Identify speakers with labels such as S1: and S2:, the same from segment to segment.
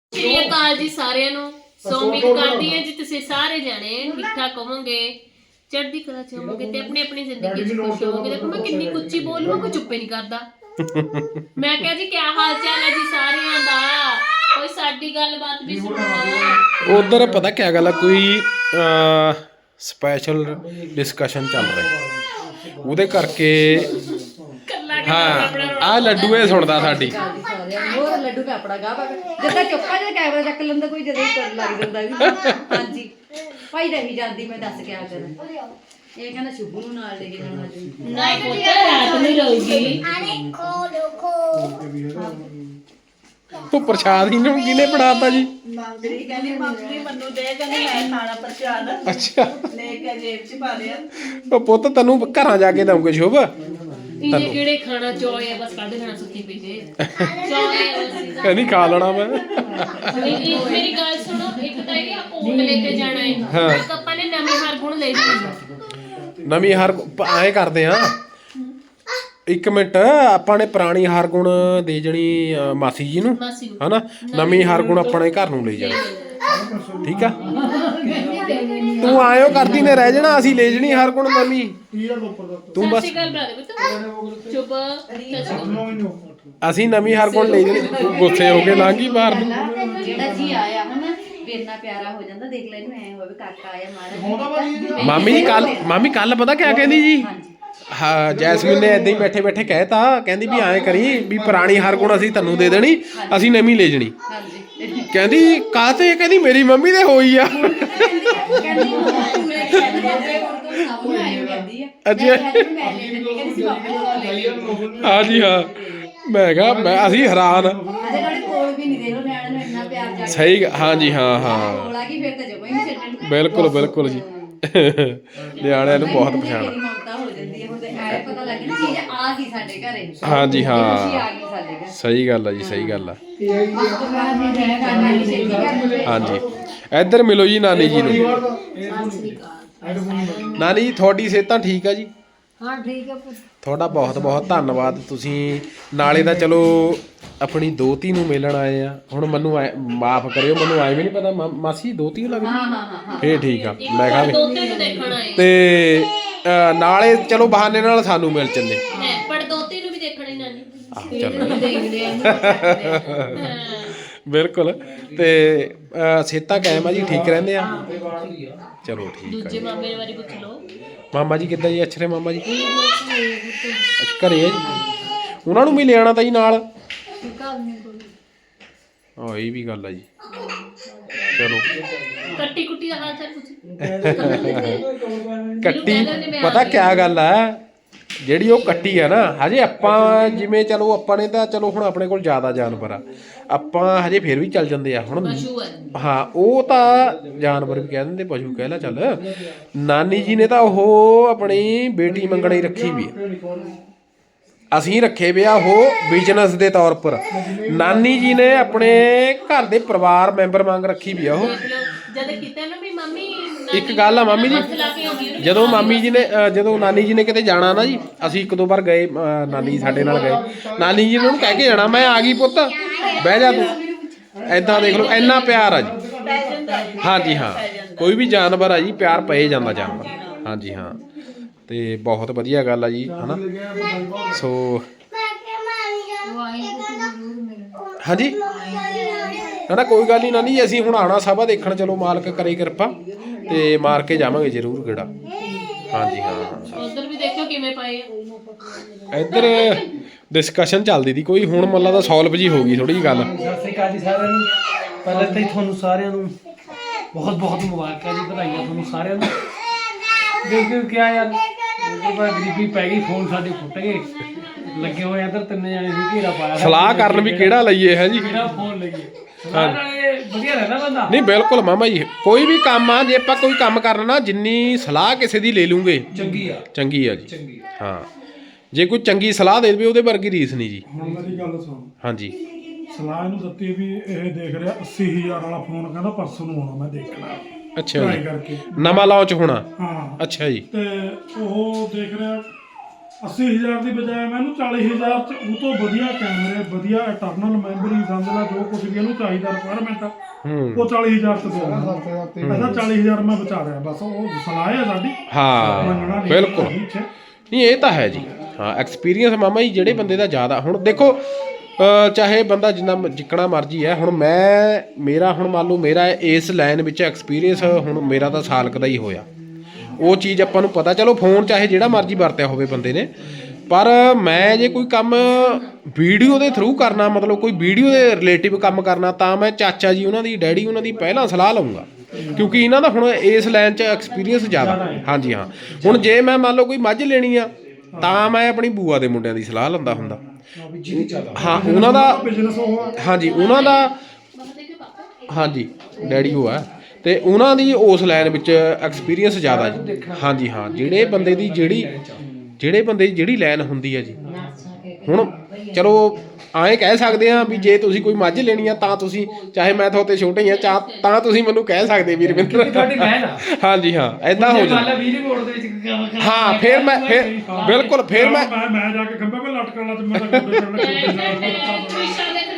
S1: ਸ੍ਰੀ ਅਕਾਲ ਜੀ ਸਾਰਿਆਂ ਨੂੰ। ਸੋ ਉਮੀਦ ਕਰਦੀ ਹਾਂ ਜੀ ਤੁਸੀਂ ਸਾਰੇ ਜਾਣੇ ਠੀਕ ਠਾਕ ਹੋਵੋਗੇ, ਚੜ੍ਹਦੀ ਕਲਾ ਚ ਹੋਵੋਗੇ ਤੇ ਆਪਣੀ ਆਪਣੀ ਜ਼ਿੰਦਗੀ ਚ ਖੁਸ਼ ਹੋਵੋਗੇ। ਦੇਖੋ ਮੈਂ ਕਿੰਨੀ ਉੱਚੀ ਬੋਲੂੰ, ਕੋਈ ਚੁੱਪੇ ਨਹੀਂ ਕਰਦਾ। ਮੈਂ ਕਿਹਾ ਜੀ ਕਿਆ ਹਾਲ ਚਾਲ ਹੈ ਜੀ ਸਾਰਿਆਂ ਦਾ, ਕੋਈ ਸਾਡੀ ਗੱਲਬਾਤ ਵੀ ਸੁਣੋ।
S2: ਉਧਰ ਪਤਾ ਕਿਆ ਗੱਲ ਆ, ਕੋਈ ਸਪੈਸ਼ਲ ਡਿਸਕਸ਼ਨ ਚੱਲ ਰਹੀ, ਉਹਦੇ ਕਰਕੇ ਹਾਂ ਆ ਲੱਡੂ ਇਹ ਸੁਣਦਾ ਸਾਡੀ।
S3: ਹੋਰ ਲੱਡੂ ਕਾਪੜਾ ਗਾ ਜਿੱਦਾਂ ਚੁੱਪਾ ਜਿਹਾ ਕੈਮਰਾ ਚੱਕ ਲੈਂਦਾ ਕੋਈ, ਜਦੋਂ ਹੀ ਲੱਗ ਜਾਂਦਾ ਵੀ ਹਾਂਜੀ ਭਾਈ ਰਹੀ ਜਾਂਦੀ। ਮੈਂ ਦੱਸ ਕਿਆ ਕਰਾਂ, ਇਹ ਕਹਿੰਦਾ ਸ਼ੁਭੂ ਨੂੰ ਨਾਲ ਲੈ ਕੇ ਜਾਣਾ ਜੀ।
S1: ਨਹੀਂ ਪੁੱਤ ਰਾਤ ਨੂੰ ਰਹੂਗੀ।
S2: ਉਹ ਪ੍ਰਸ਼ਾਦ ਹੀ ਨੂੰ ਕਿਹਨੇ ਬਣਾਤਾ ਜੀ?
S4: ਮੰਗਰੀ ਕਹਿੰਦੀ ਮੰਗਰੀ ਮੈਨੂੰ ਦੇ, ਕਹਿੰਦੀ ਮੈਂ ਖਾਣਾ ਪ੍ਰਸ਼ਾਦ
S2: ਅੱਛਾ
S4: ਲੈ ਕੇ ਜੇਬ ਚ ਪਾ ਲਿਆ।
S2: ਉਹ ਪੁੱਤ ਤੈਨੂੰ ਘਰਾਂ ਜਾ ਕੇ ਦਊਂਗੇ ਸ਼ੁਭ।
S1: ਇਹਨੇ ਕਿਹੜੇ ਖਾਣਾ ਚੋਏ ਆ, ਬਸ ਕੱਢ ਖਾਣਾ ਸੁੱਤੀ ਪਈ ਜੇ ਚੋਏ।
S2: ਕਹਿੰਦੀ ਖਾ ਲੈਣਾ ਮੈਂ।
S1: ਮੇਰੀ ਗੱਲ ਸੁਣੋ, ਇੱਕ ਤਾਂ ਇਹ ਕੋਟ ਲੈ ਕੇ ਜਾਣਾ ਹੈ, ਇੱਕ ਆਪਾਂ ਨੇ ਨਵੀਂ ਹਰਗੁਣ ਲੈ ਜਾਣੀ।
S2: ਨਵੀਂ ਹਰ ਐਂ ਕਰਦੇ ਆ, ਇੱਕ ਮਿੰਟ ਆਪਾਂ ਨੇ ਪੁਰਾਣੀ ਹਰਗੁਣ ਦੇ ਜਣੀ ਮਾਸੀ ਜੀ ਨੂੰ ਹਨਾ, ਨਵੀਂ ਹਰਗੁਣ ਆਪਣੇ ਘਰ ਨੂੰ ਲੈ ਜਾਣਾ, ਠੀਕ ਆ? ਤੂੰ ਆਇਓ ਕਰਦੀ ਨੇ ਰਹਿ ਜਾਣਾ, ਅਸੀਂ ਲੈ ਜਣੀ ਹਰਗੁਣ ਨਵੀਂ। ਤੂੰ ਬਸ ਅਸੀਂ ਨਵੀਂ ਹਰਗੁਣ ਲੈ ਜਣੀ। ਤੂੰ ਗੁੱਸੇ ਹੋ ਕੇ ਲੰਘੀ ਬਾਹਰ ਨੂੰ।
S3: ਜਿਹੜਾ ਜੀ ਆਇਆ ਹਨਾ ਇੰਨਾ ਪਿਆਰਾ ਹੋ ਜਾਂਦਾ, ਦੇਖ ਲੈ ਇਹਨੂੰ ਐ ਹੋਵੇ ਕਾਕਾ ਆਇਆ ਮਾਰਾ।
S2: ਮਾਮੀ ਕੱਲ ਪਤਾ ਕਿਆ ਕਹਿੰਦੀ ਜੀ? ਹਾਂ ਜੈਸਮੀਨ ਨੇ ਏਦਾਂ ਹੀ ਬੈਠੇ ਬੈਠੇ ਕਹਿਤਾ, ਕਹਿੰਦੀ ਵੀ ਐਂ ਕਰੀ ਵੀ ਪੁਰਾਣੀ ਹਰਗੁਣ ਅਸੀਂ ਤੈਨੂੰ ਦੇ ਦੇਣੀ, ਅਸੀਂ ਨਵੀਂ ਲੈ ਜਣੀ। ਕਹਿੰਦੀ ਕਾਹਤੇ? ਕਹਿੰਦੀ ਮੇਰੀ ਮੰਮੀ ਦੇ ਹੋਈ ਆ। ਅੱਛਾ ਹਾਂਜੀ ਹਾਂ, ਮੈਂ ਕਿਹਾ ਅਸੀਂ ਹੈਰਾਨ। ਸਹੀ ਹਾਂਜੀ ਹਾਂ ਹਾਂ ਬਿਲਕੁਲ ਬਿਲਕੁਲ ਜੀ, ਨਿਆਣਿਆਂ ਨੂੰ ਬਹੁਤ ਪਛਾਣ। ਹਾਂਜੀ ਹਾਂ ਸਹੀ ਗੱਲ ਆ ਜੀ, ਸਹੀ ਗੱਲ ਆ। ਹਾਂਜੀ ਇੱਧਰ ਮਿਲੋ ਜੀ ਨਾਨੀ ਜੀ ਨੂੰ। ਨਾਨੀ ਜੀ ਤੁਹਾਡੀ ਸਿਹਤਾਂ ਠੀਕ ਆ ਜੀ?
S3: ਹਾਂ ਠੀਕ ਹੈ ਪੁੱਤ।
S2: ਤੁਹਾਡਾ ਬਹੁਤ ਬਹੁਤ ਧੰਨਵਾਦ। ਤੁਸੀਂ ਨਾਲੇ ਤਾਂ ਚਲੋ ਆਪਣੀ ਦੋਤੀ ਨੂੰ ਮਿਲਣ ਆਏ ਆ। ਹੁਣ ਮੈਨੂੰ ਮਾਫ ਕਰਿਓ, ਮੈਨੂੰ ਆਏ ਵੀ ਨਹੀਂ ਪਤਾ ਮਾਸੀ ਦੋਤੀ ਲੱਗਦੀ। ਫੇਰ ਠੀਕ ਆ, ਮੈਂ ਕਿਹਾ ਤੇ ਨਾਲੇ ਚਲੋ ਬਹਾਨੇ ਨਾਲ ਸਾਨੂੰ ਮਿਲ ਚੱਲੇ।
S1: ਪਰ ਦੋਤੀ ਨੂੰ ਵੀ ਦੇਖਣੀ ਨਾਨੀ।
S2: ਬਿਲਕੁਲ। ਤੇ ਸਿਹਤਾਂ ਕਾਇਮ ਆ ਜੀ, ਠੀਕ ਰਹਿੰਦੇ ਆ? ਚਲੋ ਠੀਕ ਆ।
S1: ਦੂਜੇ ਮਾਮੇ ਬਾਰੇ ਪੁੱਛ ਲਓ।
S2: ਮਾਮਾ ਜੀ ਕਿੱਦਾਂ ਜੀ? ਅੱਛਰੇ ਮਾਮਾ ਜੀ ਅੱਛਾ ਘਰੇ ਆ ਜੀ? ਉਹਨਾਂ ਨੂੰ ਵੀ ਲਿਆਣਾ ਤਾਂ ਜੀ ਨਾਲ। ਹਾਂ ਇਹ ਵੀ ਗੱਲ ਆ ਜੀ। ਚਲੋ
S1: ਕੱਟੀ ਕੁੱਟੀ ਦਾ ਹਾਲ ਚਾਲ ਪੁੱਛ।
S2: ਕੱਟੀ ਪਤਾ ਕਿਆ ਗੱਲ ਆ, ਜਿਹੜੀ ਉਹ ਕੱਟੀ ਆ ਨਾ, ਹਜੇ ਆਪਾਂ ਜਿਵੇਂ ਚਲੋ ਆਪਾਂ ਨੇ ਤਾਂ ਚਲੋ ਹੁਣ ਆਪਣੇ ਕੋਲ ਜ਼ਿਆਦਾ ਜਾਨਵਰ ਆ, ਆਪਾਂ ਹਜੇ ਫਿਰ ਵੀ ਚੱਲ ਜਾਂਦੇ ਆ। ਹੁਣ ਹਾਂ ਉਹ ਤਾਂ ਜਾਨਵਰ ਵੀ ਕਹਿ ਦਿੰਦੇ, ਪਸ਼ੂ ਕਹਿ ਲਾ ਚੱਲ। ਨਾਨੀ ਜੀ ਨੇ ਤਾਂ ਉਹ ਆਪਣੀ ਬੇਟੀ ਮੰਗਣੀ ਰੱਖੀ ਵੀ ਆ, ਅਸੀਂ ਰੱਖੇ ਵੇ ਆ ਉਹ ਬਿਜ਼ਨਸ ਦੇ ਤੌਰ ਪਰ। ਨਾਨੀ ਜੀ ਨੇ ਆਪਣੇ ਘਰ ਦੇ ਪਰਿਵਾਰ ਮੈਂਬਰ ਵਾਂਗ ਰੱਖੀ ਵੀ ਆ ਉਹ। ਇੱਕ ਗੱਲ ਆ ਮਾਮੀ ਜੀ, ਜਦੋਂ ਮਾਮੀ ਜੀ ਨੇ ਜਦੋਂ ਨਾਨੀ ਜੀ ਨੇ ਕਿਤੇ ਜਾਣਾ ਨਾ ਜੀ, ਅਸੀਂ ਇੱਕ ਦੋ ਵਾਰ ਗਏ, ਨਾਨੀ ਜੀ ਸਾਡੇ ਨਾਲ ਗਏ, ਨਾਨੀ ਜੀ ਨੇ ਉਹਨੂੰ ਕਹਿ ਕੇ ਜਾਣਾ ਮੈਂ ਆ ਗਈ ਪੁੱਤ ਬਹਿ ਜਾ ਤੂੰ। ਏਦਾਂ ਦੇਖ ਲਓ ਇੰਨਾ ਪਿਆਰ ਆ ਜੀ। ਹਾਂਜੀ ਹਾਂ ਕੋਈ ਵੀ ਜਾਨਵਰ ਆ ਜੀ ਪਿਆਰ ਪਏ ਜਾਂਦਾ ਜਾਨਵਰ। ਹਾਂਜੀ ਹਾਂ ਤੇ ਬਹੁਤ ਵਧੀਆ ਗੱਲ ਆ ਜੀ ਹਨਾ। ਸੋ ਹਾਂਜੀ ਨਾ ਕੋਈ ਗੱਲ ਨਹੀਂ ਨਾਨੀ ਜੀ, ਅਸੀਂ ਹੁਣ ਆਉਣਾ ਸਭਾ ਦੇਖਣ, ਚਲੋ ਮਾਲਕ ਕਰੇ ਕਿਰਪਾ ਤੇ ਮਾਰ ਕੇ ਜਾਵਾਂਗੇ ਜ਼ਰੂਰ ਗੇੜਾ। ਹਾਂਜੀ ਹਾਂ
S1: ਉਧਰ ਵੀ ਦੇਖੋ ਕਿਵੇਂ ਪਏ ਆ।
S2: ਇੱਧਰ ਡਿਸਕਸ਼ਨ ਚੱਲਦੀ ਸੀ ਕੋਈ, ਹੁਣ ਮੱਲਾ ਦਾ ਸੋਲਵ ਜੀ ਹੋ ਗਈ ਥੋੜੀ ਜਿਹੀ ਗੱਲ।
S5: ਸਤਿ ਸ਼੍ਰੀ ਅਕਾਲ ਜੀ ਸਾਰਿਆਂ ਨੂੰ। ਪਹਿਲਾਂ ਤਾਂ ਤੁਹਾਨੂੰ ਸਾਰਿਆਂ ਨੂੰ ਬਹੁਤ ਬਹੁਤ ਮੁਬਾਰਕਾਂ ਜੀ, ਵਧਾਈਆਂ ਤੁਹਾਨੂੰ ਸਾਰਿਆਂ ਨੂੰ। ਦੇਖੋ ਕਿਆ ਯਾਰ ਗਰੀਬੀ ਪੈ ਗਈ, ਫੋਨ ਸਾਡੇ ਫੁੱਟ ਗਏ, ਲੱਗੇ ਹੋਏ ਇੱਧਰ ਤਿੰਨੇ ਜਾਣੇ ਸੀ, ਘੇਰਾ ਪਾਇਆ।
S2: ਸਲਾਹ ਕਰਨ ਵੀ ਕਿਹੜਾ ਲਈਏ ਹੈ ਜੀ,
S5: ਕਿਹੜਾ ਫੋਨ ਲਈਏ। ਵਧੀਆ ਰਹਿੰਦਾ ਬੰਦਾ।
S2: ਨਹੀਂ ਬਿਲਕੁਲ ਮਾਮਾ ਜੀ, ਕੋਈ ਵੀ ਕੰਮ ਆ ਜੇ ਆਪਾਂ ਕੋਈ ਕੰਮ ਕਰਨਾ, ਜਿੰਨੀ ਸਲਾਹ ਕਿਸੇ ਦੀ ਲੈ ਲੂੰਗੇ ਚੰਗੀ ਆ ਜੀ। ਹਾਂ ਜੇ ਕੋਈ ਚੰਗੀ ਸਲਾਹ ਦੇ ਦੇਵੇ ਉਹਦੇ ਵਰਗੀ ਰੀਸ ਨਹੀਂ ਜੀ।
S6: ਹੁਣ ਮੇਰੀ ਗੱਲ ਸੁਣ।
S2: ਹਾਂਜੀ
S6: ਸਲਾਹ ਇਹਨੂੰ ਦਿੱਤੀ ਵੀ ਇਹ ਦੇਖ ਰਿਹਾ 80,000 ਵਾਲਾ ਫੋਨ, ਕਹਿੰਦਾ ਪਰਸੋਂ ਨੂੰ ਆਉਣਾ, ਮੈਂ ਦੇਖਣਾ।
S2: ਅੱਛਾ ਜੀ, ਨਵਾਂ ਲਾਂਚ ਹੋਣਾ।
S6: ਹਾਂ
S2: ਅੱਛਾ ਜੀ।
S6: ਤੇ ਉਹ ਦੇਖ ਰਿਹਾ 80,000 ਦੀ ਬਜਾਏ ਮੈਨੂੰ 40,000 ਚ ਉਹ ਤੋਂ ਵਧੀਆ ਕੈਮਰੇ, ਵਧੀਆ ਇੰਟਰਨਲ ਮੈਮਰੀ, ਸਮਝ ਲਾ ਜੋ ਕੁਝ ਵੀ ਇਹਨੂੰ ਚਾਹੀਦਾ ਰਿਕੁਆਇਰਮੈਂਟ ਉਹ 40,000 ਚ ਦੇ ਇਹਦਾ 40,000 ਮੈਂ ਬਚਾ ਰਿਹਾ ਬਸ। ਉਹ ਸਲਾਹ ਹੈ ਸਾਡੀ।
S2: ਹਾਂ ਬਿਲਕੁਲ ਨਹੀਂ ਇਹ ਤਾਂ ਹੈ ਜੀ। ਹਾਂ ਐਕਸਪੀਰੀਅੰਸ ਮਾਮਾ ਜੀ ਜਿਹੜੇ ਬੰਦੇ ਦਾ ਜ਼ਿਆਦਾ, ਹੁਣ ਦੇਖੋ ਚਾਹੇ ਬੰਦਾ ਜਿੰਨਾ ਜਿੱਕਣਾ ਮਰਜੀ ਹੈ, ਹੁਣ ਮੇਰਾ ਹੁਣ ਮੰਨ ਲਓ ਮੇਰਾ ਇਸ ਲਾਈਨ ਵਿੱਚ ਐਕਸਪੀਰੀਅੰਸ ਹੁਣ ਮੇਰਾ ਤਾਂ ਸਾਲ ਕੁ ਦਾ ਹੀ ਹੋਇਆ। ਉਹ ਚੀਜ਼ ਆਪਾਂ ਨੂੰ ਪਤਾ, ਚਲੋ ਫੋਨ ਚਾਹੇ ਜਿਹੜਾ ਮਰਜੀ ਵਰਤਿਆ ਹੋਵੇ ਬੰਦੇ ਨੇ, ਪਰ ਮੈਂ ਜੇ ਕੋਈ ਕੰਮ ਵੀਡੀਓ ਦੇ ਥਰੂ ਕਰਨਾ, ਮਤਲਬ ਕੋਈ ਵੀਡੀਓ ਦੇ ਰਿਲੇਟਿਵ ਕੰਮ ਕਰਨਾ, ਤਾਂ ਮੈਂ ਚਾਚਾ ਜੀ ਉਹਨਾਂ ਦੀ, ਡੈਡੀ ਉਹਨਾਂ ਦੀ ਪਹਿਲਾਂ ਸਲਾਹ ਲਊਂਗਾ, ਕਿਉਂਕਿ ਇਹਨਾਂ ਦਾ ਹੁਣ ਇਸ ਲਾਈਨ 'ਚ ਐਕਸਪੀਰੀਅੰਸ ਜ਼ਿਆਦਾ। ਹਾਂਜੀ ਹਾਂ, ਹੁਣ ਜੇ ਮੈਂ ਮੰਨ ਲਓ ਕੋਈ ਮੱਝ ਲੈਣੀ ਆ ਤਾਂ ਮੈਂ ਆਪਣੀ ਬੂਆ ਦੇ ਮੁੰਡਿਆਂ ਦੀ ਸਲਾਹ ਲੈਂਦਾ ਹੁੰਦਾ। ਹਾਂ ਉਹਨਾਂ ਦਾ
S6: ਬਿਜ਼ਨਸ ਉਹ
S2: ਹਾਂਜੀ, ਉਹਨਾਂ ਦਾ ਹਾਂਜੀ ਡੈਡੀ ਉਹ ਹੈ, ਤੇ ਉਹਨਾਂ ਦੀ ਉਸ ਲਾਈਨ ਵਿੱਚ ਐਕਸਪੀਰੀਅੰਸ ਜ਼ਿਆਦਾ ਜੀ। ਹਾਂਜੀ ਹਾਂ, ਜਿਹੜੇ ਬੰਦੇ ਦੀ ਜਿਹੜੀ ਲਾਈਨ ਹੁੰਦੀ ਹੈ ਜੀ। ਹੁਣ ਚਲੋ ਐਂ ਕਹਿ ਸਕਦੇ ਆ ਵੀ ਜੇ ਤੁਸੀਂ ਕੋਈ ਮੱਝ ਲੈਣੀ ਆ ਤਾਂ ਤੁਸੀਂ, ਚਾਹੇ ਮੈਂ ਤੁਹਾਡੇ ਛੋਟੇ ਹੀ ਆ ਤਾਂ ਤੁਸੀਂ ਮੈਨੂੰ ਕਹਿ ਸਕਦੇ ਵੀ ਰਵਿੰਦਰ
S5: ਤੁਹਾਡੀ ਲਾਈਨ ਆ।
S2: ਹਾਂਜੀ ਹਾਂ ਏਦਾਂ ਹੋ ਜਾਂਦਾ। ਹਾਂ ਫਿਰ ਬਿਲਕੁਲ ਫਿਰ ਮੈਂ
S6: ਜਾ ਕੇ ਖੰਭੇ 'ਤੇ ਲਟਕਣ ਲੱਗ ਮੈਂ ਤਾਂ ਗੋਡੇ ਚੜ੍ਹਨਾ
S1: ਕ੍ਰਿਸ਼ਾ ਦੇ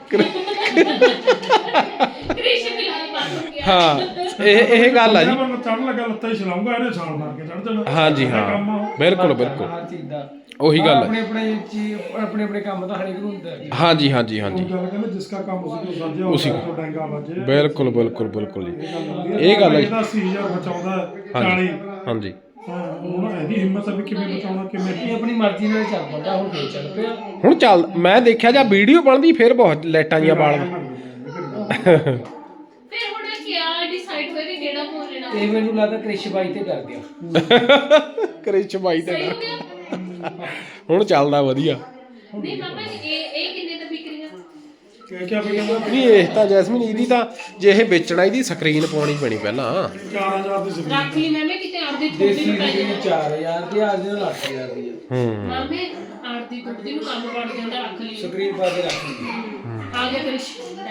S1: ਕ੍ਰਿਸ਼ ਵੀ ਲਾਈ ਬਾਤ
S2: ਹਾਂ ਇਹ ਗੱਲ ਆ ਜੀ।
S6: ਮੈਂ ਚੜ੍ਹਨ ਲੱਗਾ ਲੱਤਾਂ ਹੀ ਛਲਾਉਂਗਾ, ਇਹਨੇ ਛਾਲ ਮਾਰ ਕੇ ਚੜ੍ਹ ਜਾਣਾ।
S2: ਹਾਂਜੀ ਹਾਂ ਬਿਲਕੁਲ ਬਿਲਕੁਲ
S5: ਹਰ ਚੀਜ਼ ਦਾ
S2: ਉਹੀ ਗੱਲ
S5: ਆਪਣੇ ਆਪਣੇ ਕੰਮ ਦਾ ਹਰੇਕ ਨੂੰ ਹੁੰਦਾ ਹੈ।
S2: ਹਾਂਜੀ ਹਾਂਜੀ ਹਾਂਜੀ
S6: ਗੱਲ ਕਹਿੰਦੇ ਜਿਸ ਦਾ ਕੰਮ ਉਸੇ ਤੋਂ ਸਾਜਿਆ
S2: ਉਸੀ
S6: ਤੋਂ ਡੰਗਾ ਵੱਜੇ।
S2: ਬਿਲਕੁਲ ਬਿਲਕੁਲ ਬਿਲਕੁਲ ਜੀ ਇਹ ਗੱਲ ਹੈ।
S6: ਇਹਦਾ 80,000 ਬਚਾਉਂਦਾ 40।
S2: ਹਾਂਜੀ
S6: ਹੁਣ ਇਹਦੀ ਹਿੰਮਤ ਹੈ ਵੀ ਕਿਵੇਂ ਬਚਾਉਣਾ, ਕਿਵੇਂ
S5: ਇਹ ਆਪਣੀ ਮਰਜ਼ੀ ਨਾਲ ਚੱਲ ਪੜਦਾ। ਹੁਣ ਫੇਰ ਚੱਲ ਪਿਆ।
S2: ਹੁਣ ਚੱਲ ਮੈਂ ਦੇਖਿਆ ਜਾਂ ਵੀਡੀਓ ਬਣਦੀ ਫਿਰ ਬਹੁਤ ਲਾਈਟਾਂ ਜੀਆਂ ਬਾਲ
S1: ਫਿਰ ਹੁਣ ਕਿਆ ਡਿਸਾਈਡ ਹੋਇਆ ਕਿ ਕਿਹੜਾ ਫੋਨ ਲੈਣਾ?
S5: ਇਹ ਮੈਨੂੰ ਲੱਗਦਾ ਕ੍ਰਿਸ਼ ਬਾਈ ਤੇ ਕਰ ਗਿਆ।
S2: ਕ੍ਰਿਸ਼ ਬਾਈ ਤੇ
S1: ਸਹੀ ਹੋ ਗਿਆ।
S2: ਹੁਣ ਚੱਲਦਾ ਵਧੀਆ।
S1: ਨਹੀਂ ਮਾਮਾ ਇਹ ਕਿੰਨੇ ਦਾ ਵਿਕ ਰਹੀਆਂ?
S6: ਕਿਆ ਬਈ
S2: ਨਹੀਂ ਇਹ ਤਾਂ ਜੈਸਮੀਨ ਇਹਦੀ ਤਾਂ ਜੇ ਇਹ ਵੇਚਣਾ ਇਹਦੀ ਸਕਰੀਨ ਪਾਉਣੀ ਪੈਣੀ ਪਹਿਲਾਂ।
S6: 4,000 ਦੀ ਸੀ।
S1: ਰੱਖ ਲਈ ਮੈਂ ਕਿਤੇ ਆੜਦੀ ਥੋੜੀ
S5: ਦੇਸੀ
S1: ਨੂੰ ਪੈ
S5: ਦੀ
S1: ਜਾਣਾ।
S5: 4000 ਦੀ, ਅੱਜ ਦੇ 8000 ਦੀ ਹੈ।
S1: ਮਾਮੇ ਆੜਦੀ ਥੋੜੀ ਨੂੰ ਕੰਮ ਵੜ ਜਾਂਦਾ, ਰੱਖ ਲਈ।
S5: ਸਕਰੀਨ ਪਾ ਕੇ ਰੱਖ ਲਈ।
S1: ਆ ਗਿਆ ਕ੍ਰਿਸ਼।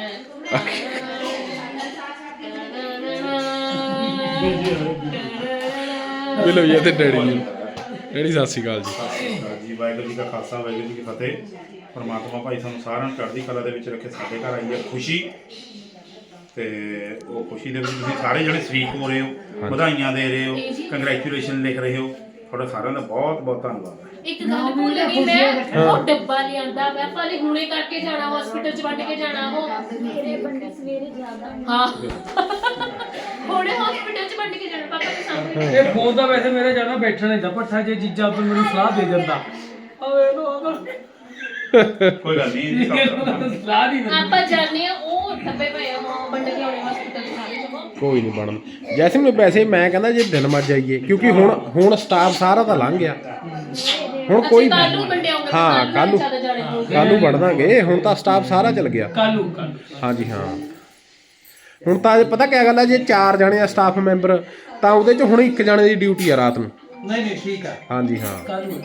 S2: ਮਿਲੋ ਜੀ ਤੇ ਡੈਡੀ ਜੀ। ਡੈਡੀ ਸਤਿ ਸ਼੍ਰੀ ਅਕਾਲ ਜੀ।
S7: ਵਾਹਿਗੁਰੂ ਜੀ ਕਾ ਖਾਲਸਾ, ਵਾਹਿਗੁਰੂ ਜੀ ਕੀ ਫਤਿਹ। ਪਰਮਾਤਮਾ ਭਾਈ ਸਾਨੂੰ ਸਾਰਿਆਂ ਨੂੰ ਚੜ੍ਹਦੀ ਕਲਾ ਦੇ ਵਿੱਚ ਰੱਖੇ। ਸਾਡੇ ਘਰ ਆਈ ਹੈ ਖੁਸ਼ੀ, ਤੇ ਉਹ ਖੁਸ਼ੀ ਦੇ ਵਿੱਚ ਤੁਸੀਂ ਸਾਰੇ ਜਣੇ ਸ਼ਰੀਕ ਹੋ ਰਹੇ ਹੋ, ਵਧਾਈਆਂ ਦੇ ਰਹੇ ਹੋ, ਕੰਗ੍ਰੈਚੁਲੇਸ਼ਨ ਲਿਖ ਰਹੇ ਹੋ। ਤੁਹਾਡਾ ਸਾਰਿਆਂ ਦਾ ਬਹੁਤ ਬਹੁਤ ਧੰਨਵਾਦ ਹੈ।
S1: ਇੱਕ ਗੱਲ ਭੁੱਲ ਗਈ ਮੈਂ, ਉਹ ਡੱਬਾ ਲਿਆਂਦਾ ਮੈਂ ਭਾਵੇਂ ਹੁਣੇ ਕਰਕੇ ਜਾਣਾ, ਹਸਪੀਟਲ ਚ ਵੰਡ ਕੇ ਜਾਣਾ। ਉਹ ਮੇਰੇ ਬੰਦੇ ਸਵੇਰੇ ਜ਼ਿਆਦਾ ਹਾਂ ਹੁਣੇ ਹਸਪੀਟਲ ਚ ਵੰਡ ਕੇ ਜਾਣਾ ਪਾਪਾ ਦੇ ਸਾਹਮਣੇ।
S5: ਇਹ ਫੋਨ ਦਾ ਵੈਸੇ ਮੇਰੇ ਜਾਣਾ ਬੈਠਣਾ ਨਹੀਂ ਦਾ ਪੱਠਾ, ਜੇ ਜੀਜਾ ਤੋਂ ਮੈਨੂੰ ਸਲਾਹ ਦੇ ਦਿੰਦਾ। ਓਏ ਲੋ
S7: ਕੋਈ ਗੱਲ ਨਹੀਂ,
S5: ਸਲਾਹ ਨਹੀਂ ਦਿੰਦਾ।
S1: ਆਪਾਂ ਜਾਣੇ ਆ, ਉਹ ਡੱਬੇ ਪਏ ਆ ਉਹ ਵੰਡ ਕੇ ਆਉਣੇ ਹਸਪੀਟਲ ਸਾਰੇ ਜਗ੍ਹਾ।
S2: ਕੋਈ ਨਹੀਂ ਬਣਨ ਜੈਸਮੀਨ। ਵੈਸੇ ਮੈਂ ਕਹਿੰਦਾ ਜੇ ਦਿਨ ਮਰ ਜਾਈਏ, ਕਿਉਂਕਿ ਹੁਣ ਸਟਾਫ ਸਾਰਾ ਤਾਂ ਲੰਘ ਗਿਆ। ਹੁਣ ਕੋਈ
S1: ਕੱਲ ਨੂੰ ਵੰਡੇ ਆਉਂਗੇ।
S2: ਹਾਂ ਕੱਲ ਨੂੰ ਵੰਡ ਦਾਂਗੇ। ਹੁਣ ਤਾਂ ਸਟਾਫ ਸਾਰਾ ਚਲ ਗਿਆ।
S5: ਕੱਲੂ
S2: ਹਾਂਜੀ ਹਾਂ। ਹੁਣ ਤਾਂ ਪਤਾ ਕਿਆ ਗੱਲ ਹੈ, ਜੇ 4 ਜਣੇ ਆ ਸਟਾਫ ਮੈਂਬਰ ਤਾਂ ਉਹਦੇ ਚ ਹੁਣ 1 ਜਣੇ ਦੀ ਡਿਊਟੀ ਆ ਰਾਤ ਨੂੰ।
S5: ਨਹੀਂ ਠੀਕ ਆ।
S2: ਹਾਂਜੀ ਹਾਂ।
S5: ਕੱਲੂ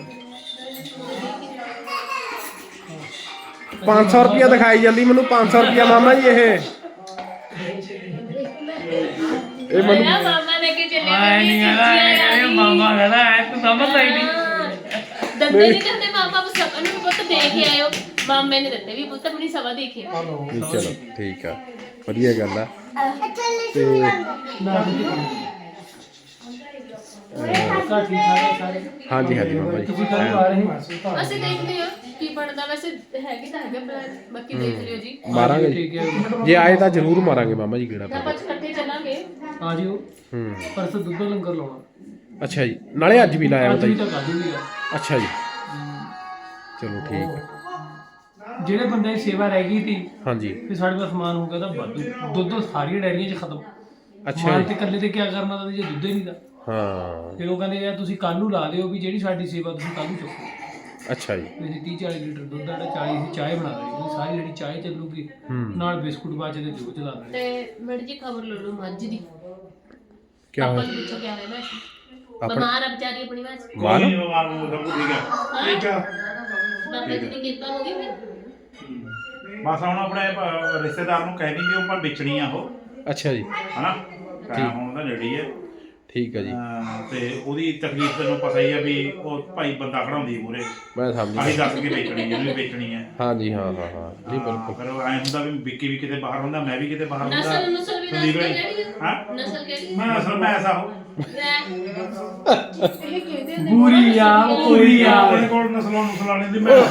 S2: 500 ਰੁਪਇਆ ਦਿਖਾਈ ਜਾਂਦੀ ਮੈਨੂੰ। 500 ਰੁਪਇਆ ਮਾਮਾ ਜੀ ਇਹ ਮੈਨੂੰ
S1: ਮਾਮਾ ਲੈ ਕੇ ਚੱਲੇ
S5: ਮਾਮਾ ਕਹਿੰਦਾ ਐ ਤੂੰ ਸਮਝਦਾ ਹੀ ਨਹੀਂ।
S1: ਦੰਦੇ ਨਹੀਂ ਦਿੰਦੇ ਮਾਮਾ, ਬਸ ਸਭ ਨੂੰ ਪੁੱਤ ਦੇਖ ਕੇ ਆਇਓ। ਮਾਮੇ ਨੇ ਦਿੱਤੇ ਵੀ ਪੁੱਤ ਆਪਣੀ ਸਭਾ ਦੇਖੀ।
S2: ਚਲੋ ਠੀਕ ਆ, ਵਧੀਆ ਗੱਲ ਆ। ਤੇ ਹਾਂਜੀ ਹਾਂਜੀ ਮਾਮਾ ਜੀ
S5: ਤੁਸੀਂ ਕੱਲ ਆ ਰਹੇ ਹੋ?
S1: ਅਸੀਂ ਦੇਖਦੇ ਹਾਂ ਕੀ ਬਣਦਾ। ਵੈਸੇ ਹੈਗੀ ਤਾਂ ਹੈਗਾ ਪਲਾਨ, ਬਾਕੀ ਦੇਖ ਲਿਓ ਜੀ।
S2: ਮਾਰਾਂਗੇ
S5: ਠੀਕ ਹੈ।
S2: ਜੇ ਆਏ ਤਾਂ ਜ਼ਰੂਰ ਮਾਰਾਂਗੇ ਮਾਮਾ ਜੀ ਕਿਹੜਾ।
S1: ਆਪਾਂ ਇਕੱਠੇ ਚੱਲਾਂਗੇ।
S5: ਆ ਜਿਓ। ਪਰਸੋਂ ਦੁੱਧ ਲੰਗਰ ਲਾਉਣਾ।
S2: ਅੱਛਾ ਜੀ, ਨਾਲੇ ਅੱਜ ਵੀ ਲਾਇਆ
S5: ਅੱਜ
S2: ਹੁੰਦਾ
S5: ਵੀ
S2: ਜੀ।
S5: ਤਾਂ ਕਰ ਦੂੰਗੀ।
S2: ਅੱਛਾ ਜੀ ਚਲੋ ਠੀਕ ਆ।
S5: ਜਿਹੜੇ ਬੰਦੇ ਦੀ ਸੇਵਾ ਰਹਿ ਗਈ ਸੀ,
S2: ਹਾਂਜੀ
S5: ਫਿਰ ਸਾਡੇ ਕੋਲ ਸਮਾਨ ਹੋ ਗਿਆ ਤਾਂ ਵਾਧੂ। ਦੁੱਧ ਸਾਰੀਆਂ ਡੈਰੀਆਂ 'ਚ ਖਤਮ।
S2: ਅੱਛਾ
S5: ਮਾਲ
S2: ਜੀ
S5: ਤੇ ਇਕੱਲੇ ਤੇ ਕੀ ਕਰਨਾ ਤਾਂ ਜੇ ਦੁੱਧ ਹੀ ਨਹੀਂ ਦਾ।
S2: ਹਾਂ।
S5: ਫਿਰ ਉਹ ਕਹਿੰਦੇ ਯਾਰ ਤੁਸੀਂ ਕੱਲ ਨੂੰ ਲਾ ਦਿਓ ਵੀ ਜਿਹੜੀ ਸਾਡੀ ਸੇਵਾ ਤੁਸੀਂ ਕੱਲ ਨੂੰ ਚੁੱਕੋ।
S2: ਅੱਛਾ ਜੀ
S5: ਵੈਸੇ 30-40 ਲੀਟਰ ਦੁੱਧ ਦਾ 40 ਦੀ ਚਾਹ ਬਣਾ ਦੇਣੀ। ਸਾਰੀ ਜਿਹੜੀ ਚਾਹ ਚੱਲੂਗੀ, ਨਾਲ ਬਿਸਕੁਟ ਬਾਜੇ ਦੇ ਦਿਓ ਚਲਾ ਦੇਣੇ।
S1: ਤੇ ਮੈਡਮ ਜੀ ਖਬਰ ਲੈ ਲਓ ਮੱਝ ਦੀ।
S2: ਕਿਆ
S1: ਆਪਾਂ
S2: ਹੋਇਆ?
S1: ਨੂੰ ਪੁੱਛੋ ਕਿਆ ਹੋਇਆ ਮੈਂ
S2: ਆਪਣਾ
S1: ਬਿਮਾਰ ਆ ਵਿਚਾਰੀ ਆਪਣੀ ਮਾਂ।
S2: ਮਾਂ
S7: ਕੋਈ ਨਹੀਂ ਬਿਮਾਰ ਨੂੰ ਸਭ ਕੁਝ ਠੀਕ ਹੈ।
S6: ਠੀਕ ਆ।
S1: ਬਾਬਾ ਜੀ ਦੀ ਕਿਰਪਾ ਹੋ ਗਈ ਫਿਰ।
S7: ਬਸ ਹੁਣ ਆਪਣੇ ਰਿਸ਼ਤੇਦਾਰ ਨੂੰ ਕਹਿ ਦੀ ਵੀ ਉਹ ਪਰ ਵੇਚਣੀ ਆ ਉਹ,
S2: ਅੱਛਾ ਜੀ
S7: ਹਨਾ। ਟਾਈਮ ਹੁਣ ਦਾ ਨੇੜੇ ਹੈ।
S2: ਠੀਕ ਹੈ ਜੀ
S7: ਤੇ ਉਹਦੀ ਤਕਲੀਫ ਤੈਨੂੰ ਪਤਾ ਹੀ ਆ ਵੀ ਉਹ ਭਾਈ ਬੰਦਾ ਖੜਾਉਂਦੀ ਮੂਰੇ
S2: ਮੈਂ ਸਮਝ
S7: ਆਹੀ ਦੱਸ ਕੇ ਵੇਚਣੀ ਜਿਹਨੂੰ ਵੀ ਵੇਚਣੀ ਹੈ
S2: ਹਾਂਜੀ ਹਾਂ ਹਾਂ ਹਾਂ ਜੀ ਬਿਲਕੁਲ
S7: ਫਿਰ ਐ ਹੁੰਦਾ ਵੀ ਵਿੱਕੀ ਵੀ ਕਿਤੇ ਬਾਹਰ ਹੁੰਦਾ ਮੈਂ ਵੀ ਕਿਤੇ ਬਾਹਰ ਹੁੰਦਾ
S1: ਨਸਲ ਵੀ ਦੱਸ
S7: ਸੰਦੀਪ
S1: ਦੇ
S7: ਭਾਈ,
S1: ਕਿਹੜੀ
S7: ਹਾਂ
S1: ਨਸਲ ਕਿਹੜੀ
S7: ਮੈਂ ਅਸਲ ਮੈਂ ਐਸਾ ਹੋ
S5: ਪੂਰੀ ਆ ਪੂਰੀ ਆ
S6: ਆਪਣੇ ਕੋਲ ਨਸਲਾਂ ਨਸਲਾਣੇ ਦੀ ਮੈਂ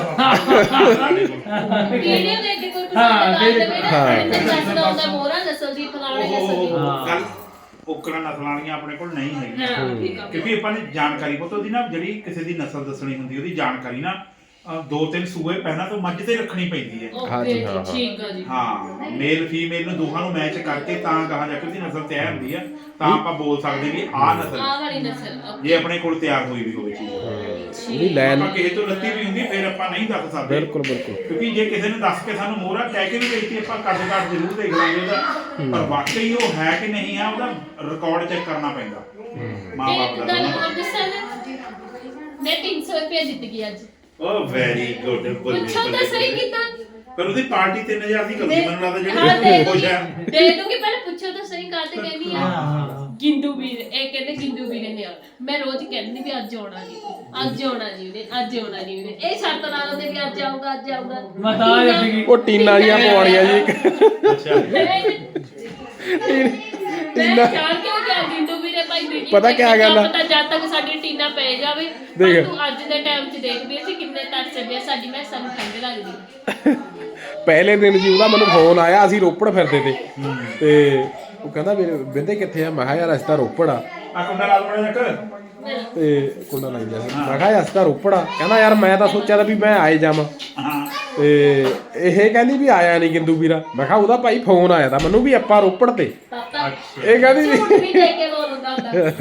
S1: ਵੀਡੀਓ ਦੇਖ ਕੇ ਕੋਈ ਪਸੰਦ ਕਰ ਲਵੇ ਨਾ ਤੇ ਦੱਸਦਾ ਹੁੰਦਾ ਮੋਹਰਾ ਨਸਲ ਦੀ ਫਲਾਣੇ ਨਸਲ ਦੀ
S7: ਗੱਲ ਉਕੜਾ ਨਸਲਾਣੀਆਂ ਆਪਣੇ ਕੋਲ ਨਹੀਂ ਹੈਗੀਆਂ
S1: ਹਾਂ ਠੀਕ ਆ
S7: ਕਿਉਂਕਿ ਆਪਾਂ ਨੇ ਜਾਣਕਾਰੀ ਪੁੱਤ ਉਹਦੀ ਨਾ ਜਿਹੜੀ ਕਿਸੇ ਦੀ ਨਸਲ ਦੱਸਣੀ ਹੁੰਦੀ ਉਹਦੀ ਜਾਣਕਾਰੀ ਨਾ 2-3 ਸੂਏ ਪਹਿਲਾਂ ਤੋਂ ਮੱਝ ਤੇ ਰੱਖਣੀ ਪੈਂਦੀ ਹੈ
S2: ਹਾਂਜੀ, ਹਾਂ, ਹਾਂ।
S1: ਠੀਕ ਆ ਜੀ
S7: ਹਾਂ ਮੇਲ ਫੀਮੇਲ ਨੂੰ ਦੋਹਾਂ ਨੂੰ ਮੈਚ ਕਰਕੇ ਤਾਂ ਕਹਾ ਜਾ ਕੇ ਉਹਦੀ ਨਸਲ ਤਿਆਰ ਹੁੰਦੀ ਆ ਤਾਂ ਆਪਾਂ ਬੋਲ ਸਕਦੇ ਵੀ ਆਹ ਨਸਲ
S1: ਆਹ ਵਾਲੀ ਨਸਲ
S7: ਜੇ ਆਪਣੇ ਕੋਲ ਤਿਆਰ ਹੋਈ ਵੀ ਹੋਵੇ ਚੀਜ਼
S2: ਉਹਦੀ ਲੈਣ
S7: ਆਪਾਂ ਕਿਸੇ ਤੋਂ ਲੱਤੀ ਵੀ ਹੁੰਦੀ ਫਿਰ ਆਪਾਂ ਨਹੀਂ ਦੱਸ ਸਕਦੇ
S2: ਬਿਲਕੁਲ ਬਿਲਕੁਲ
S7: ਕਿਉਂਕਿ ਜੇ ਕਿਸੇ ਨੇ ਦੱਸ ਕੇ ਸਾਨੂੰ ਮੋਹਰਾ ਕਹਿ ਕੇ ਵੀ ਦੇਤੀ ਆਪਾਂ ਕੱਢ ਜ਼ਰੂਰ ਦੇਖ ਲਾਂਗੇ ਉਹਦਾ ਪਰ ਵਾਕਈ ਉਹ ਹੈ ਕਿ ਨਹੀਂ ਹੈ ਉਹਦਾ ਰਿਕਾਰਡ ਚੈੱਕ ਕਰਨਾ ਪੈਂਦਾ ਮਾਂ-ਬਾਪ
S1: ਇੱਕ
S7: ਦਾ
S1: ਗੱਲ
S7: ਦੋਨਾਂ
S1: ਹੋਰ ਦੱਸਾਂ ਮੈਂ 300 ਰੁਪਏ ਜਿੱਤ ਗਈ ਅੱਜ
S7: ਉਹ ਵੈਰੀ ਗੁੱਡ
S1: ਪੁੱਛੋ ਤਾਂ ਸਹੀ ਕਿਦਾਂ
S7: ਪਰ ਉਹਦੀ ਪਾਰਟੀ 3000 ਦੀ ਕਰਦੀ ਮੈਨੂੰ ਲੱਗਦਾ
S1: ਹਾਂ
S7: ਜਿਹੜੀ ਖੁਸ਼ ਹੈ
S1: ਦੇ ਦੂੰਗੀ ਪਹਿਲਾਂ ਪੁੱਛੋ ਤਾਂ ਸਹੀ ਕਾਤੇ ਕਹਿੰਦੀ ਆ ਗਿੰਦੂ ਵੀਰ ਇਹ ਕਹਿੰਦੇ ਗਿੰਦੂ ਵੀਰ ਨੇ ਆਉਣਾ ਮੈਂ ਰੋਜ਼ ਕਹਿੰਦੀ ਵੀ ਅੱਜ ਆਉਣਾ ਜੀ ਅੱਜ ਆਉਣਾ ਜੀ ਉਹਨੇ ਅੱਜ ਆਉਣਾ ਜੀ ਉਹਨੇ ਇਹ ਸ਼ਰਤ ਲਾ ਲੈਂਦੇ ਵੀ ਅੱਜ ਆਊਗਾ ਅੱਜ ਆਊਗਾ
S5: ਮੈਂ ਤਾਂ ਆ ਜਾਂਦੀ
S2: ਉਹ ਟੀਨਾ ਜੀਆਂ ਪਵਾਉਣੀਆਂ ਜੀ ਇੱਕ
S7: ਅੱਛਾ
S1: ਮੈਂ ਚਾਹ ਕਿਉਂ ਗਿਆ ਗਿੰਦੂ ਵੀਰੇ ਭਾਈ ਵੀਡੀਓ
S2: ਪਤਾ ਕਿਆ ਗੱਲ ਆ?
S1: ਪਤਾ ਜਦ ਤੱਕ ਸਾਡੀ ਟੀਨਾ ਪੈ ਜਾਵੇ
S2: ਦੇਖ।
S1: ਪਰ ਤੂੰ ਅੱਜ ਦੇ ਟਾਈਮ 'ਚ ਦੇਖ ਵੀ ਅਸੀਂ ਕਿੰਨੇ ਤਰਸਦੇ ਆ ਸਾਡੀ ਮੈਂ ਸਾਨੂੰ ਠੰਡ ਲੱਗਦੀ
S2: ਪਹਿਲੇ ਦਿਨ ਜੀ ਉਹਦਾ ਮੈਨੂੰ ਫੋਨ ਆਇਆ ਅਸੀਂ ਰੋਪੜ ਫਿਰਦੇ ਤੇ ਉਹ ਕਹਿੰਦਾ ਵੀ ਬਿੰਦੇ ਕਿੱਥੇ ਆ ਮੈਂ ਕਿਹਾ ਯਾਰ ਅਸੀਂ ਤਾਂ ਰੋਪੜ ਆ
S7: ਆ ਕੁੰਡਾ ਲਾ ਬੜਾ ਜੱਕ
S2: ਤੇ ਕੁੰਡਾ ਲਾਈ ਗਿਆ ਸੀ ਮੈਂ ਕਿਹਾ ਅਸੀਂ ਤਾਂ ਰੋਪੜ ਆ ਕਹਿੰਦਾ ਯਾਰ ਮੈਂ ਤਾਂ ਸੋਚਿਆ ਤਾਂ ਵੀ ਮੈਂ ਆਏ ਜਾਵਾਂ
S7: ਹਾਂ
S2: ਤੇ ਇਹ ਕਹਿੰਦੀ ਵੀ ਆਇਆ ਨਹੀਂ ਗਿੰਦੂ ਵੀਰਾ ਮੈਂ ਕਿਹਾ ਉਹਦਾ ਭਾਈ ਫੋਨ ਆਇਆ ਤਾਂ ਮੈਨੂੰ ਵੀ ਆਪਾਂ ਰੋਪੜ ਤੇ
S1: ਪਾਪਾ
S2: ਇਹ ਕਹਿੰਦੀ
S1: ਝੂਠ ਵੀ ਦੇ ਕੇ ਬੋਲਦਾ ਹੁੰਦਾ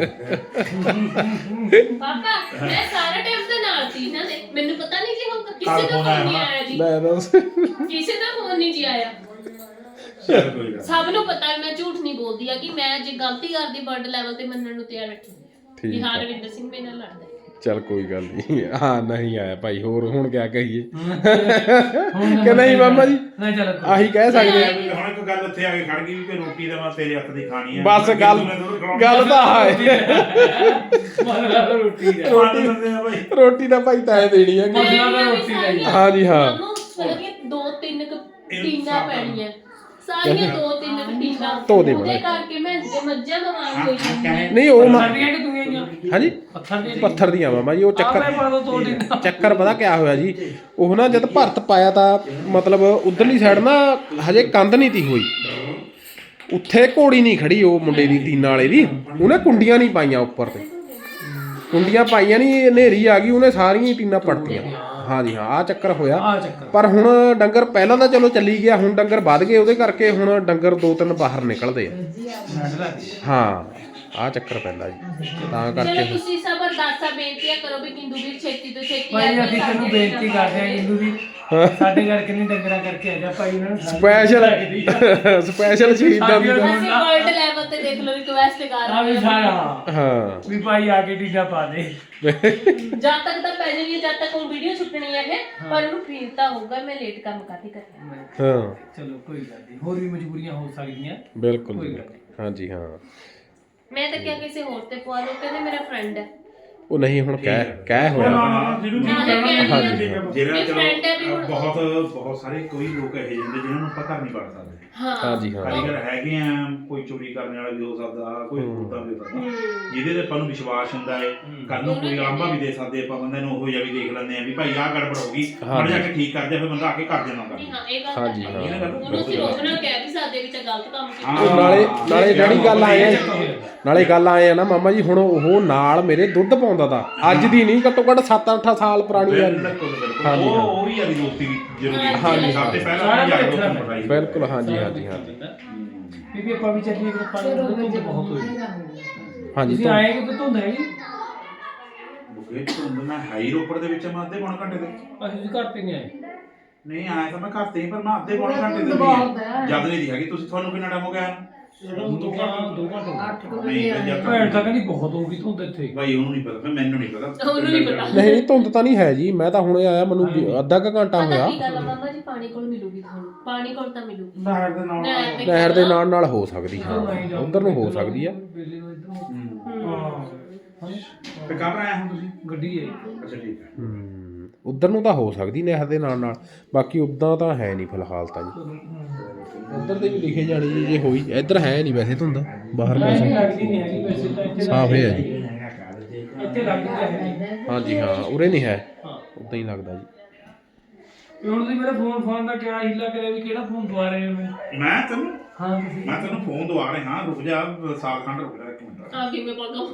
S1: ਪਾਪਾ ਮੈਂ ਸਾਰਾ ਟਾਈਮ ਦੇ ਨਾਲ ਸੀ ਨਾ ਦੇ ਮੈਨੂੰ ਪਤਾ ਨਹੀਂ ਜੀ ਹੁਣ ਕਿਸੇ ਦਾ ਫੋਨ ਨਹੀਂ ਆਇਆ ਜੀ
S2: ਮੈਂ ਦੱਸ
S1: ਕਿਸੇ ਦਾ ਫੋਨ ਨਹੀਂ ਜੀ ਆਇਆ
S7: ਚੱਲ ਕੋਈ ਗੱਲ
S1: ਸਭ ਨੂੰ ਪਤਾ ਹੈ ਮੈਂ ਝੂਠ ਨਹੀਂ ਬੋਲਦੀ ਆ ਕਿ ਮੈਂ ਜੇ ਗਲਤੀ ਕਰਦੀ ਬਰਡ ਲੈਵਲ ਤੇ ਮੰਨਣ ਨੂੰ ਤਿਆਰ ਬੈਠੀ
S2: ਠੀਕ
S1: ਵੀ
S2: ਆ।
S1: ਹਾਂ ਰਵਿੰਦਰ ਸਿੰਘ ਮੇਰੇ ਨਾਲ ਲੜਦਾ ਹੈ।
S2: ਚੱਲ ਕੋਈ ਗੱਲ ਨਹੀਂ ਹਾਂ ਨਹੀਂ ਆਇਆ ਭਾਈ ਹੋਰ ਹੁਣ ਕਿਆ ਕਹੀਏ ਕਿ ਨਹੀਂ ਮਾਮਾ ਜੀ
S5: ਨਹੀਂ ਚੱਲ
S2: ਆਹੀ ਕਹਿ ਸਕਦੇ ਆ
S7: ਵੀ ਹੁਣ ਇੱਕ ਗੱਲ ਉੱਥੇ ਆ ਕੇ ਖੜ ਗਈ ਵੀ ਕਿ ਰੋਟੀ ਤਾਂ ਮੈਂ ਤੇਰੇ ਹੱਥ ਦੀ ਖਾਣੀ ਆ
S2: ਬਸ ਗੱਲ ਤਾਂ ਹੈ
S5: ਮਾਰਾ ਰੋਟੀ ਦਾ
S7: ਰੋਟੀ ਦਿੰਦੇ ਆ ਭਾਈ
S2: ਰੋਟੀ ਤਾਂ ਭਾਈ ਤੈਂ ਦੇਣੀ ਹੈ
S5: ਮਸਲਾ ਤਾਂ ਰੋਟੀ ਦਾ ਹੀ ਆ।
S2: ਹਾਂ ਜੀ ਹਾਂ
S1: ਸਾਨੂੰ ਸਾਰੀਆਂ 2-3 ਟੀਨਾਂ ਪੈਣੀਆਂ ਸਾਰੀਆਂ 2-3 ਟੀਨਾਂ
S2: ਧੋ ਦੇ
S1: ਉਹਦੇ ਕਰਕੇ ਮੈਂ ਜੇ ਮੱਝਾਂ ਦਾ ਮਾਰ ਹੋਈ ਜਾਂਦੀ
S2: ਨਹੀਂ ਉਹ
S5: ਸਾਡੀਆਂ ਕਿ ਤੂੰ ਗਈਆਂ
S2: ਹਾਂਜੀ
S5: ਪੱਥਰ ਦੀ
S2: ਪੱਥਰ ਦੀਆਂ ਮਾਮਾ ਜੀ ਉਹ
S5: ਆਪੇ ਪਾ ਦੋ ਤੋੜ ਦਿੰਦਾ
S2: ਚੱਕਰ ਪਤਾ ਕਿਆ ਹੋਇਆ ਜੀ ਉਹ ਨਾ ਜਦ ਭਰਤ ਪਾਇਆ ਤਾਂ ਮਤਲਬ ਉਧਰਲੀ ਸਾਈਡ ਨਾ ਹਜੇ ਕੰਧ ਨਹੀਂ ਤੀ ਹੋਈ ਉੱਥੇ ਘੋੜੀ ਨਹੀਂ ਖੜੀ ਉਹ ਮੁੰਡੇ ਦੀ ਟੀਨਾ ਵਾਲੇ ਦੀ ਉਹਨੇ ਕੁੰਡੀਆਂ ਨਹੀਂ ਪਾਈਆਂ ਉੱਪਰ ਤੇ ਕੁੰਡੀਆਂ ਪਾਈਆਂ ਨਹੀਂ ਹਨੇਰੀ ਆ ਗਈ ਉਹਨੇ ਸਾਰੀਆਂ ਹੀ ਟੀਨਾਂ ਪੜਤੀਆਂ ਹਾਂ ਜੀ ਹਾਂ ਆ ਚੱਕਰ ਹੋਇਆ
S5: ਆ ਚੱਕਰ
S2: ਪਰ ਹੁਣ ਡੰਗਰ ਪਹਿਲਾਂ ਤਾਂ ਚਲੋ ਚੱਲੀ ਗਿਆ ਹੁਣ ਡੰਗਰ ਵੱਧ ਗਏ ਉਹਦੇ ਕਰਕੇ ਹੁਣ ਡੰਗਰ 2-3 ਬਾਹਰ ਨਿਕਲਦੇ ਆ ਹਾਂ ਆ ਚੱਕਰ ਪੈਂਦਾ ਜੀ ਤਾਂ
S1: ਚਲੋ
S2: ਕਰਕੇ
S1: ਤੁਸੀਂ ਸਭ ਅਰਦਾਸਾਂ ਬੇਨਤੀਆਂ ਕਰੋ ਵੀ ਕਿੰਦੂ ਵੀਰ ਛੇਤੀ ਤੋਂ ਛੇਤੀ
S5: ਭਾਈ
S1: ਆ
S5: ਅਸੀਂ
S1: ਜਾਵੇ
S5: ਤੈਨੂੰ
S1: ਸਾਡੇ
S5: ਬੇਨਤੀ ਕਰਦੇ ਆ ਜਿੰਦੂ ਵੀ ਸਾਡੇ ਘਰ ਕਿੰਨੀ ਡੰਗਰਾਂ ਕਰਕੇ ਆ ਜਾ ਭਾਈ ਉਹਨਾਂ ਨੂੰ
S2: ਸਪੈਸ਼ਲ ਸ਼ਹੀਦਾਂ ਦੀ ਤਾਂ-
S1: ਅਸੀਂ ਵਰਲਡ ਲੈਵਲ ਤੇ ਦੇਖ ਲਓ ਰਿਕਵੈਸਟ ਕਰ
S5: ਆ ਵੀ
S1: ਰਹੇ ਹਾਂ
S5: ਸਾਰਾ
S2: ਹਾਂ
S5: ਵੀ ਭਾਈ ਆ ਕੇ ਟੀਡਾ ਪਾ ਦੇ
S1: ਜਦ ਤੱਕ ਤਾਂ ਪੈ ਜਾਣੀ ਹੈ ਜਦ ਤੱਕ ਉਹ ਵੀਡੀਓ ਛੁੱਟਣੀ ਹੈ ਪਰ ਉਹਨੂੰ ਫੀਲ ਤਾਂ ਹੋਊਗਾ ਮੈਂ ਲੇਟ ਕੰਮ ਕਾਹਦੀ ਕਰਨਾ
S2: ਹਾਂ
S5: ਚਲੋ ਕੋਈ ਗੱਲ ਨਹੀਂ ਹੋਰ ਵੀ ਮਜਬੂਰੀਆਂ ਹੋ ਸਕਦੀਆਂ
S2: ਬਿਲਕੁਲ
S5: ਕੋਈ
S2: ਜੀ।
S5: ਗੱਲ ਨਹੀਂ।
S2: ਹਾਂਜੀ ਹਾਂ
S1: ਮੈਂ ਤਾਂ ਕਿਹਾ ਕਿਸੇ ਹੋਰ ਤੇ ਪਵਾ ਲਓ ਕਹਿੰਦੇ ਮੇਰਾ ਫਰੈਂਡ ਹੈ
S2: ਉਹ ਨਹੀਂ ਹੁਣ ਕਹਿ ਹੋਇਆ
S6: ਜਿਹਨੂੰ
S2: ਹਾਂਜੀ
S7: ਜਿਹੜਾ
S1: ਵੀ friend ਹੈ ਵੀ
S7: ਚਲੋ
S1: ਹੁਣ-
S7: ਬਹੁਤ ਸਾਰੇ ਕੋਈ ਲੋਕ ਇਹੋ ਜਿਹੇ ਹੁੰਦੇ ਜਿਨ੍ਹਾਂ ਨੂੰ ਆਪਾਂ ਘਰ ਨਹੀਂ ਵੜ ਸਕਦੇ
S1: ਹਾਂ
S2: ਹਾਂਜੀ ਹਾਂ
S7: ਕਾਰੀਗਰ ਹੈਗੇ ਆ ਕੋਈ ਚੋਰੀ ਕਰਨ ਵਾਲਾ ਵੀ ਹੋ ਸਕਦਾ ਕੋਈ ਉਦਾਂ ਵੀ ਹੋ ਸਕਦਾ ਜਿਹਦੇ ਤੇ ਆਪਾਂ ਨੂੰ ਵਿਸ਼ਵਾਸ ਹੁੰਦਾ ਹੈ ਕੱਲ ਨੂੰ ਕੋਈ ਆਂਬਾ ਵੀ ਦੇ ਸਕਦੇ ਆਪਾਂ ਬੰਦੇ ਨੂੰ ਉਹੋ ਜਿਹਾ ਵੀ ਦੇਖ ਲੈਂਦੇ ਆ ਵੀ ਭਾਈ ਆਹ ਗੜਬੜ ਹੋ ਗਈ ਮੜ ਜਾ ਕੇ ਠੀਕ ਕਰ ਦੇ ਫਿਰ ਬੰਦਾ ਆ ਕੇ ਕਰ ਦੇਣਾ
S1: ਜੀ
S7: ਕੰਮ
S1: ਹਾਂ ਇਹ ਗੱਲ
S2: ਹਾਂਜੀ,
S1: ਤਾਂ
S2: ਹਾਂ।
S1: ਹੈ। ਉਹਨੂੰ ਅਸੀਂ ਰੋਕਣਾ ਕਹਿ ਵੀ ਸਕਦੇ ਵੀ ਤਾਂ ਗਲਤ ਕੰਮ ਕੀਤਾ
S2: ਉਹ ਨਾਲੇ ਜਿਹੜੀ ਗੱਲ ਆਏ ਆ ਨਾਲੇ ਗੱਲ ਆਏ ਆ ਨਾ ਮਾਮਾ ਜੀ ਹੁਣ ਉਹ ਨਾਲ ਮੇਰੇ ਦੁੱਧ ਪਾਉਂਦਾ ਤਾ ਅੱਜ ਦੀ ਨਹੀਂ ਘੱਟੋ ਘੱਟ 7-8 ਸਾਲ ਪੁਰਾਣੀ ਆ ਹਾਂਜੀ, ਹਾਂ।
S7: ਉਹ ਵੀ ਯਾਰੀ ਦੋਸਤੀ ਵੀ ਜ਼ਰੂਰੀ ਹੈ
S1: ਹਾਂਜੀ,
S7: ਸਭ ਤੋਂ ਪਹਿਲਾਂ ਯਾਰ ਦੋਸਤ ਨੂੰ ਪੜਾਈ
S2: ਬਿਲਕੁਲ ਹਾਂਜੀ ਹਾਂਜੀ ਹਾਂਜੀ
S5: ਬੀਬੀ ਆਪਾਂ ਵੀ ਚੱਲੀਏ ਕਿ ਪਾਣੀ ਧੁੰਦ ਬਹੁਤ ਹੋਈ
S2: ਹਾਂਜੀ
S5: ਤੁਸੀਂ ਆਏ ਕਿ ਧੁੰਦ ਹੈਗੀ
S7: ਬੁਕੇ ਧੁੰਦ ਮੈਂ ਹਾਈ ਰੋਪੜ ਦੇ ਵਿੱਚ ਮੈਂ ਅੱਧੇ ਪੌਣੇ ਘੰਟੇ ਦੇ
S5: ਅਸੀਂ ਘਰ ਤੇ ਨਹੀਂ ਆਏ
S7: ਨਹੀਂ ਆਇਆ ਤਾਂ ਮੈਂ ਘਰ ਤੇ ਹੀ ਪਰ ਮੈਂ ਅੱਧੇ ਪੌਣੇ ਘੰਟੇ ਦੇ ਵੀ ਜਦ ਨਹੀਂ ਦੀ ਹੈਗੀ ਤੁਸੀਂ ਤੁਹਾਨੂੰ ਕਿੰਨਾ ਟਾਈਮ ਹੋ ਗਿਆ
S5: ਦੋ ਘੰਟੇ
S7: ਨਹੀਂ ਜਦ
S5: ਭੈਣ
S7: ਤੱਕ
S5: ਤਾਂ ਕਹਿੰਦੀ ਬਹੁਤ ਹੋ ਗਈ ਧੁੰਦ ਇੱਥੇ
S7: ਭਾਈ ਉਹਨੂੰ ਨਹੀਂ ਪਤਾ ਮੈਨੂੰ ਨਹੀਂ ਪਤਾ
S1: ਉਹਨੂੰ ਨਹੀਂ ਪਤਾ
S2: ਨਹੀਂ ਧੁੰਦ ਤਾਂ ਨਹੀਂ ਹੈ ਜੀ ਮੈਂ ਤਾਂ ਹੁਣੇ ਆਇਆ ਮੈਨੂੰ ਅੱਧਾ ਕੁ ਘੰਟਾ
S1: ਪਤਾ
S2: ਹੋਇਆ
S1: ਕੀ ਗੱਲ ਆ ਮਾਮਾ ਜੀ ਪਾਣੀ ਕੋਲ ਮਿਲੂਗੀ ਤੁਹਾਨੂੰ ਪਾਣੀ ਕੋਲ ਤਾਂ ਮਿਲੂਗੀ
S6: ਨਹਿਰ ਦੇ ਨਾਲ
S1: ਨਹਿਰ ਦੇ
S2: ਨਹਿਰ ਦੇ ਨਾਲ ਹੋ ਸਕਦੀ ਹਾਂ ਉਧਰ ਨੂੰ ਹੋ ਸਕਦੀ ਆ
S5: ਬਿਜਲੀ ਨੂੰ ਇੱਧਰ ਨੂੰ
S7: ਤੇ ਕਬ ਆਇਆ ਹੁਣ ਤੁਸੀਂ
S5: ਗੱਡੀ ਹੈ
S7: ਅੱਛਾ ਠੀਕ ਹੈ
S2: ਉਧਰ ਨੂੰ ਤਾਂ ਹੋ ਸਕਦੀ ਨਹਿਰ ਦੇ ਨਾਲ ਬਾਕੀ ਉਦਾਂ ਤਾਂ ਹੈ ਨਹੀਂ ਫਿਲਹਾਲ ਤਾਂ ਜੀ ਉਧਰ ਤੇ ਵੀ ਲਿਖੇ ਜਾਣੀ ਜੀ ਜੇ ਹੋਈ ਇੱਧਰ ਹੈ ਨਹੀਂ ਵੈਸੇ ਧੁੰਦ ਬਾਹਰ
S5: ਲੱਗਦੀ
S2: ਮੌਸਮ
S5: ਨਹੀਂ ਹੈਗੀ ਵੈਸੇ ਤਾਂ ਇੱਥੇ
S2: ਸਾਫ ਹੈ ਜੀ
S5: ਇੱਥੇ ਲੱਗਦੀ ਤਾਂ ਹੈ ਨਹੀਂ।
S2: ਹਾਂਜੀ ਹਾਂ ਉਰੇ ਨਹੀਂ ਹੈ
S5: ਹਾਂ
S2: ਉਦਾਂ ਹੀ ਲੱਗਦਾ ਜੀ
S5: ਤੇ ਹੁਣ ਤੁਸੀਂ ਮੇਰਾ ਫੋਨ ਦਾ ਕਿਆ ਹੀਲਾ ਕਰਿਆ ਵੀ ਕਿਹੜਾ ਫੋਨ ਦਵਾ ਰਹੇ ਹੋ ਮੈਨੂੰ?
S7: ਮੈਂ ਤੈਨੂੰ
S5: ਹਾਂ ਤੁਸੀਂ
S7: ਮੈਂ ਤੈਨੂੰ ਫੋਨ ਦਵਾ ਰਿਹਾ ਰੁਕ ਜਾ ਸਾਲ ਖੰਡ ਰੁਕ ਜਾ 1 ਮਿੰਟ
S1: ਆ ਕਿਵੇਂ ਪਾਗਾ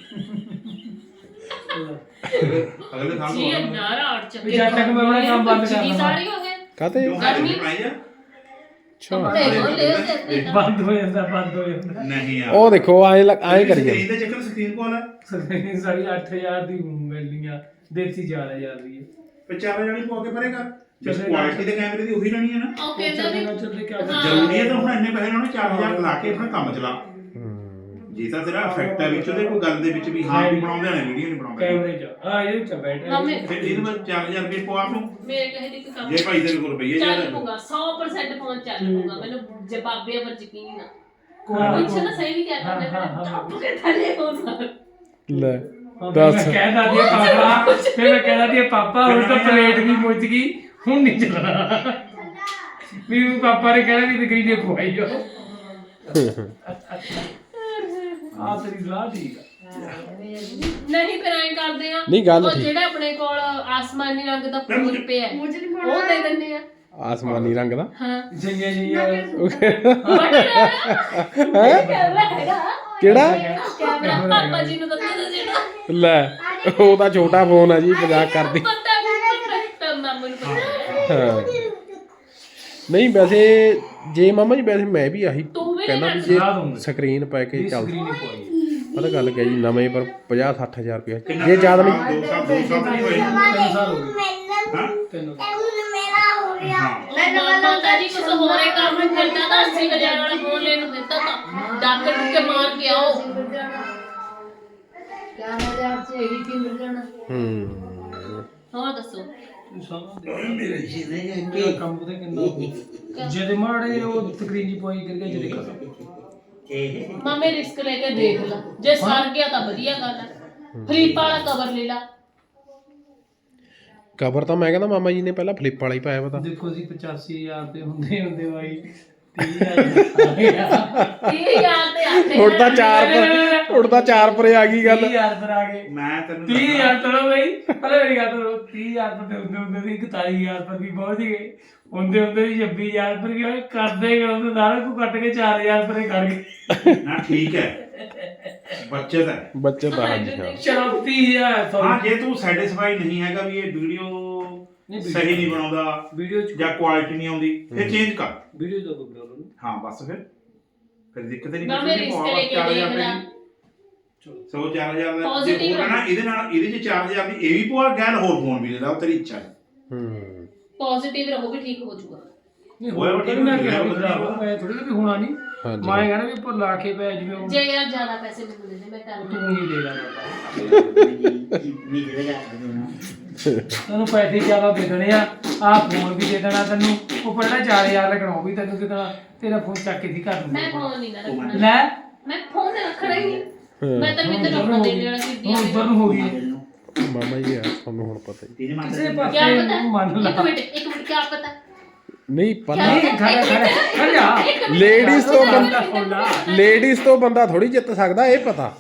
S7: ਅਗਲੇ ਸਾਲ
S1: ਜੀ
S7: ਨੂੰ
S1: ਨਾਰਾ ਅੜ ਚੱਕੇ
S5: ਵੀ ਜਦ ਤੱਕ ਮੈਂ ਆਪਣਾ ਕੰਮ ਬੰਦ ਕਰ ਲਵਾਂ।
S1: ਸਾਰੀ ਹੋ ਗਏ
S2: ਕਾਤੇ
S1: ਗਰਮੀ
S7: ਬਣਾਈ ਆ
S1: ਕੱਪੜੇ ਬੋਲੇ ਉਹਦੇ
S5: ਬੰਦ ਹੋ ਜਾਂਦਾ
S7: ਨਹੀਂ ਯਾਰ
S2: ਉਹ ਦੇਖੋ ਐਂ ਕਰੀ ਜਾਂਦੇ
S7: ਸਕਰੀਨ ਦੇ ਚੱਕਰ ਸਕਰੀਨ ਕੋਲ ਹੈ
S5: ਸਾਰੀ 8000 ਦੀ ਮਿਲਣੀ ਆ ਦੇਸੀ 4000 ਦੀ ਹੈ
S7: ਤੇ 4 ਜਣੀ ਪਵਾ ਕੇ ਪਰੇ ਕਰ ਜਿਸ ਕੁਆਲਿਟੀ ਦੇ ਕੈਮਰੇ ਦੀ ਉਹੀ ਲੈਣੀ ਹੈ ਨਾ
S1: ਉਹ ਕਹਿੰਦਾ ਵੀ
S5: ਚੱਲਦੇ ਕਿਆ
S7: ਜ਼ਰੂਰੀ ਹੈ ਤਾਂ ਹੁਣ ਇੰਨੇ ਪੈਸੇ ਉਹਨਾਂ ਨੇ 4000 ਲਾ ਕੇ ਆਪਣਾ ਕੰਮ ਚਲਾ ਜੇ ਤਾਂ ਤੇਰਾ ਇਫੈਕਟ ਹੈ ਵਿੱਚ ਉਹਦੇ ਕੋਈ ਗੱਲ ਦੇ ਵਿੱਚ ਵੀ ਹਾਂ ਵੀ ਬਣਾਉਂਦੇ ਨੇ ਵੀਡੀਓ ਨਹੀਂ ਬਣਾਉਂਦੇ
S5: ਕੈਮਰੇ 'ਚ ਆ ਇਹ ਚ ਬੈਠਾ
S7: ਫਿਰ ਇਹਦੇ ਵਿੱਚ 4000 ਰੁਪਏ ਪਵਾ ਨੂੰ
S1: ਮੇਰੇ ਕਹੇ ਦੀ ਕੋਈ ਕੰਮ
S7: ਜੇ ਭਾਈ ਤੇਰੇ ਕੋਲ ਰੁਪਈਏ
S1: ਚੱਲ
S7: ਜ਼ਿਆਦਾ
S1: ਪੂਗਾ 100% ਫੋਨ ਚੱਲ ਪੂਗਾ ਮੈਨੂੰ ਜਵਾਬੇ ਪਰ ਯਕੀਨ ਆ
S5: ਕੋਈ
S1: ਪੁੱਛ ਨਾ ਸਹੀ ਵੀ ਕਹਿ ਕਰਦੇ ਮੈਂ ਟੱਪ ਕੇ ਥੱਲੇ ਹੋ
S2: ਲੈ
S5: ਮੈਂ
S2: ਦੱਸ
S5: ਕਹਿਦਾ ਦੀ ਪਾਪਾ ਫਿਰ ਮੈਂ ਕਹਿਦਾ ਦੀ ਪਾਪਾ ਹੁਣ ਤਾਂ ਪਲੇਟ ਵੀ ਮੁੱਝ ਗਈ ਹੁਣ ਨਹੀਂ ਚੱਲਣਾ ਵੀ ਪਾਪਾ ਨੇ ਕਹਿਣਾ ਵੀ ਤਕਰੀਰ ਦੇ ਖਵਾਈ ਜੋ ਆ ਤੇਰੀ ਸਲਾਹ ਠੀਕ ਆ
S1: ਨਹੀਂ ਫਿਰ ਐਂ ਕਰਦੇ ਆ
S2: ਨਹੀਂ, ਗੱਲ
S1: ਉਹ
S2: ਠੀਕ।
S1: ਜਿਹੜਾ ਆਪਣੇ ਕੋਲ ਆਸਮਾਨੀ ਰੰਗ ਦਾ ਫੁੱਲ ਪਿਆ ਹੈ, ਉਹ ਦੇ ਦਿੰਦੇ ਆ
S2: ਆਸਮਾਨੀ ਰੰਗ ਦਾ
S1: ਹਾਂ
S5: ਜਿੰਨੀਆਂ ਜਿੰਨੀਆਂ
S1: ਕੈਮਰਾ ਹੈਗਾ
S2: ਕਿਹੜਾ
S1: ਕੈਮਰਾ ਪਾਪਾ ਜੀ ਨੂੰ ਦੱਸੋ ਜਿਹੜਾ
S2: ਲੈ ਉਹ ਤਾਂ ਛੋਟਾ ਫੋਨ ਆ ਜੀ ਮਜ਼ਾਕ ਕਰਦੀ
S1: ਪਤਾ ਨਹੀਂ ਮਾਮੂ ਨੂੰ ਪਤਾ
S2: ਹਾਂ ਨਹੀਂ ਵੈਸੇ ਜੇ ਮਾਮਾ ਜੀ ਵੈਸੇ ਮੈਂ ਵੀ ਆਹੀ
S1: ਤੂੰ ਵੀ
S2: ਕਹਿੰਦਾ ਵੀ ਜੇ ਸਕਰੀਨ ਪੈ ਕੇ ਚੱਲ
S5: ਸਕਰੀਨ ਹੀ ਪਵਾਈ
S2: ਪਤਾ ਗੱਲ ਕਿਆ ਜੀ ਨਵੇਂ ਪਰ 50-60 ਹਜ਼ਾਰ ਰੁਪਏ ਜੇ ਜ਼ਿਆਦਾ ਨਹੀਂ
S7: 2 ਸਾਲ ਨਹੀਂ ਹੋਏ
S5: 3 ਸਾਲ ਹੋ ਗਏ
S7: ਹਾਂ
S5: 3
S7: ਹਾਂ
S1: ਮਾਤਾ ਜੀ ਕੁਝ ਹੋਰੇ ਕੰਮ ਕਰਦਾ ਤਾਂ 80,000 ਵਾਲਾ ਫੋਨ ਲੈਣ ਨੂੰ ਦਿੱਤਾ ਤਾਂ ਡਾਕਟਰ ਨੂੰ ਕੇ ਮਾਰ ਕੇ ਆਓ ਹੋਰ ਦੱਸੋ
S5: ਕੰਮ ਉਹਦੇ ਕਿੰਨਾ ਜਿਹਦੇ ਮਾੜੇ ਉਹ ਸਕਰੀਨ ਹੀ ਪਵਾਈ ਕਰਕੇ ਜਿਹਦੇ ਖਤਮ
S1: ਮਾਮੇ ਰਿਸਕ ਲੈ ਕੇ ਦੇਖ ਲਾ ਜੇ ਸਰ ਗਿਆ ਤਾਂ ਵਧੀਆ ਗੱਲ ਹੈ ਫਲਿੱਪ ਵਾਲਾ ਕਵਰ ਲੈ ਲਾ
S2: ਕਵਰ ਤਾਂ ਮੈਂ ਕਹਿੰਦਾ ਮਾਮਾ ਜੀ ਨੇ ਪਹਿਲਾਂ ਫਲਿੱਪ ਵਾਲਾ ਹੀ ਪਾਇਆ ਪਤਾ
S5: ਦੇਖੋ ਜੀ 85000 ਤੇ ਹੁੰਦੇ ਬਾਈ 30000
S1: ਇਹ ਯਾਦ ਤੇ ਆਤੇ
S2: ਹੁਣ ਤਾਂ 4 ਪਰੇ ਆ ਗਈ ਗੱਲ
S5: 30000 ਪਰ ਆ ਗਏ
S7: ਮੈਂ ਤੈਨੂੰ
S5: 30000 ਤੋਂ ਬਈ ਪਹਿਲੇ ਮੇਰੀ ਗੱਲ ਸੁਣੋ 30000 ਤੋਂ ਹੁੰਦੇ ਸੀ 41000 ਪਰ ਵੀ ਪਹੁੰਚ ਗਏ ਹੁੰਦੇ ਵੀ 26000 ਪਰ ਵੀ ਕਰਦੇ ਕਰਦੇ ਸਾਰਾ ਕੁਝ ਕੱਟ ਕੇ 4000 ਪਰੇ ਕਰ ਗਏ
S7: ਨਾ ਠੀਕ ਹੈ ਬੱਚਤ ਹੈ
S2: ਬੱਚੇ ਤਾਂ ਹਾਂਜੀ ਹਾਂ
S5: ਚਲੋ 30000
S7: ਹਾਂ ਜੇ ਤੂੰ ਸੈਟੀਸਫਾਈ ਨਹੀਂ ਹੈਗਾ ਵੀ ਇਹ ਵੀਡੀਓ ਸਹੀ ਨਹੀਂ ਬਣਾਉਂਦਾ
S5: ਵੀਡੀਓ ਚ
S7: ਜਾਂ ਕੁਆਲਿਟੀ ਨਹੀਂ ਆਉਂਦੀ ਫਿਰ ਚੇਂਜ ਕਰ
S5: ਵੀਡੀਓ ਦਾ ਕੋਈ ਪ੍ਰੋਬਲਮ ਨਹੀਂ
S7: ਹਾਂ ਬਸ ਫਿਰ ਦਿੱਕਤ ਨਹੀਂ
S1: ਮਾਮੇ ਰਿਸਕ ਲੈ ਕੇ ਦੇਖ ਲਾ
S7: ਸੋ 4000 ਦਾ ਜੇ
S1: Positive
S7: ਹੋਰ ਨਾ ਇਹਦੇ ਚ 4000 ਦੀ ਇਹ ਵੀ ਪਵਾ ਗੈਲ ਹੋਰ ਫੋਨ ਵੀ ਲੈ ਲਾ ਉਹ ਤੇਰੀ ਇੱਛਾ ਹੈ
S2: ਹੂੰ
S1: ਪੋਜ਼ਿਟਿਵ ਰਹੋ ਵੀ ਠੀਕ ਹੋ ਜਾਊਗਾ
S5: ਨਹੀਂ
S7: ਹੋਇਆ
S5: ਹੋਇਆ
S7: ਠੀਕ
S5: ਮੈਂ
S7: ਹੋ ਗਿਆ,
S5: ਮੈਂ ਥੋੜੀ ਵੀ ਹੋਣਾ ਨਹੀਂ
S2: ਹਾਂਜੀ
S5: ਮੈਂ ਕਹਿੰਦਾ ਵੀ ਉੱਪਰ ਲਾ ਕੇ ਪੈ ਜਿਵੇਂ
S1: ਜੇ ਯਾਰ ਜ਼ਿਆਦਾ ਪੈਸੇ ਮੈਨੂੰ ਦੇ ਦੇ ਮੈਂ ਕਰ
S5: ਤੂੰ
S1: ਦੂੰ
S5: ਹੀ ਲੈ ਲੈ ਤੈਨੂੰ ਪੈਸੇ ਜ਼ਿਆਦਾ ਦੇ ਦੇਣੇ ਆ ਫੋਨ ਵੀ ਦੇ ਦੇਣਾ ਤੈਨੂੰ ਉਹ ਪਹਿਲਾਂ 4000 ਲੱਗਣਾ ਉਹ ਵੀ ਤੈਨੂੰ ਦੇ ਦੇਣਾ ਤੇਰਾ ਫੋਨ ਚੱਕ ਕੇ ਦੀ ਕਰ
S1: ਮੈਂ
S5: ਦੂੰਗਾ
S1: ਫੋਨ ਨਹੀਂ ਨਾ ਰੱਖਣਾ
S5: ਲੈ
S1: ਮੈਂ ਫੋਨ ਤੇ ਰੱਖਣਾ ਹੀ ਨਹੀਂ ਮੈਂ ਤਾਂ ਮਿੰਦਰ ਰੱਖਣਾ ਦੇਣ ਵਾਲਾ ਸੀ
S5: ਹੁਣ ਉੱਧਰ ਨੂੰ ਹੋ ਗਈ
S2: ਮਾਮਾ ਜੀ ਯਾਰ ਤੁਹਾਨੂੰ ਹੁਣ ਪਤਾ ਹੀ
S5: ਕਿਸੇ
S1: ਕੀ
S5: ਪਾਸੇ
S1: ਪਤਾ
S5: ਮੰਨ ਲਾ
S1: ਇੱਕ ਮਿੰਟ ਕੀ ਪਤਾ
S2: ਨਹੀਂ ਪਤਾ
S5: ਨਹੀਂ ਖੜ ਜਾ
S2: ਲੇਡੀਜ਼ ਤੋਂ
S5: ਬੰਦਾ ਖੋਲਾ
S2: ਲੇਡੀਜ਼ ਤੋਂ ਬੰਦਾ ਥੋੜੀ ਜਿੱਤ ਸਕਦਾ ਇਹ ਪਤਾ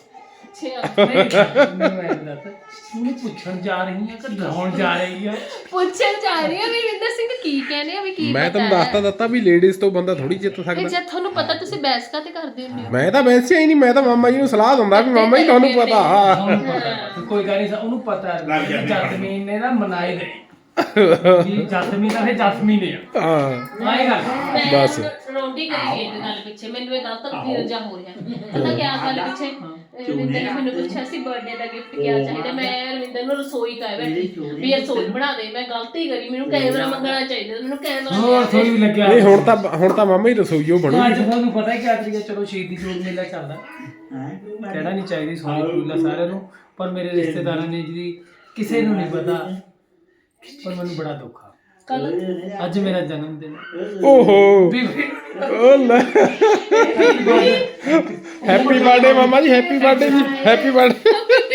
S5: ਉਹਨੂੰ ਪੁੱਛਣ ਜਾ ਰਹੀ ਹੈ ਕਿ ਲਾਉਣ ਜਾ ਰਹੀ ਹੈ
S1: ਪੁੱਛਣ ਜਾ ਰਹੀ ਆ ਵੀ ਵਿੰਦਰ ਸਿੰਘ ਕੀ ਕਹਿੰਦੇ ਆ ਵੀ ਕੀ
S2: ਮੈਂ
S1: ਪਤਾ
S2: ਤੁਹਾਨੂੰ
S1: ਹੈ?
S2: ਦੱਸਤਾ ਦਿੱਤਾ ਵੀ ਲੇਡੀਜ਼ ਤੋਂ ਬੰਦਾ ਥੋੜੀ ਜਿੱਤ
S1: ਇਹ
S2: ਸਕਦਾ
S1: ਜਦ ਤੁਹਾਨੂੰ ਪਤਾ ਤੁਸੀਂ ਬਹਿਸ ਕਾਤੇ ਕਰਦੇ ਹੁੰਦੇ ਹੋ
S2: ਮੈਂ ਤਾਂ ਵੈਸੇ ਹੀ ਨਹੀਂ ਮੈਂ ਤਾਂ ਮਾਮਾ ਜੀ ਨੂੰ ਸਲਾਹ ਦਿੰਦਾ ਵੀ ਮਾਮਾ ਜੀ ਤੁਹਾਨੂੰ ਪਤਾ
S5: ਉਹਨੂੰ ਪਤਾ ਕੋਈ ਗੱਲ ਨਹੀਂ ਉਹਨੂੰ ਪਤਾ
S7: ਲੱਗ
S5: ਹੈ
S7: ਜਾਂਦੇ
S5: ਜਸਮੀਨ ਨੇ ਨਾ ਮਨਾਈ ਦੇ ਜੀ ਜਸਮੀਨ ਤਾਂ ਫੇ ਜਸਮੀਨ ਹੈ
S2: ਹਾਂ
S5: ਆਏਗਾ
S2: ਬਸ।
S1: ਮੈਂ ਰੋਂਡੀ ਕਰੀ ਗਈ ਇਹ ਗੱਲ ਪਿੱਛੇ ਮੈਨੂੰ ਇਹ ਗਲਤ ਫੀਲ ਹੋ ਰਿਹਾ ਪਤਾ ਕੀ ਗੱਲ ਪਿੱਛੇ ਰਵਿੰਦਰ ਨੇ ਮੈਨੂੰ ਪੁੱਛਿਆ ਸੀ ਬਰਥਡੇ ਦਾ ਗਿਫਟ ਕੀ ਚਾਹੀਦਾ ਮੈਂ ਰਵਿੰਦਰ ਨੂੰ ਰਸੋਈ ਕਹਿ ਬੈਠੀ ਵੀ ਰਸੋਈ ਬਣਾ ਦੇ ਮੈਂ ਗਲਤੀ ਕਰੀ ਮੈਨੂੰ ਕੈਮਰਾ ਮੰਗਣਾ ਚਾਹੀਦਾ ਮੈਨੂੰ ਕੈਮਰਾ
S5: ਹੋਰ ਥੋੜੀ ਲੱਗਿਆ
S2: ਨਹੀਂ ਹੁਣ ਤਾਂ ਮਾਮਾ ਹੀ ਰਸੋਈਓ ਬਣੂ
S5: ਅੱਜ ਤੁਹਾਨੂੰ ਪਤਾ ਕੀ ਤਰੀਕਾ ਚਲੋ ਸ਼ਹੀਦੀ ਜੋੜ ਮੇਲਾ ਚੱਲਦਾ ਕਹਿਣਾ ਨਹੀਂ ਚਾਹੀਦੀ ਸੋਹਣੀ ਕੁੜੀਲਾ ਸਾਰਿਆਂ ਨੂੰ ਪਰ ਮੇਰੇ ਰਿਸ਼ਤੇਦਾਰਾਂ ਨੇ ਜਿਹਦੀ ਕਿਸੇ ਨੂੰ ਨਹੀਂ ਪਤਾ ਪਰ ਮੈਨੂੰ ਬੜਾ ਦੁੱਖ ਆ ਅੱਜ ਮੇਰਾ ਜਨਮ ਦਿਨ
S2: ਓਹੋ
S5: ਵੀ
S2: ਓ ਲੈ ਹੈਪੀ ਬਰਥਡੇ ਮਾਮਾ ਜੀ, ਹੈਪੀ ਬਰਥਡੇ ਜੀ, ਹੈਪੀ ਬਰਥਡੇ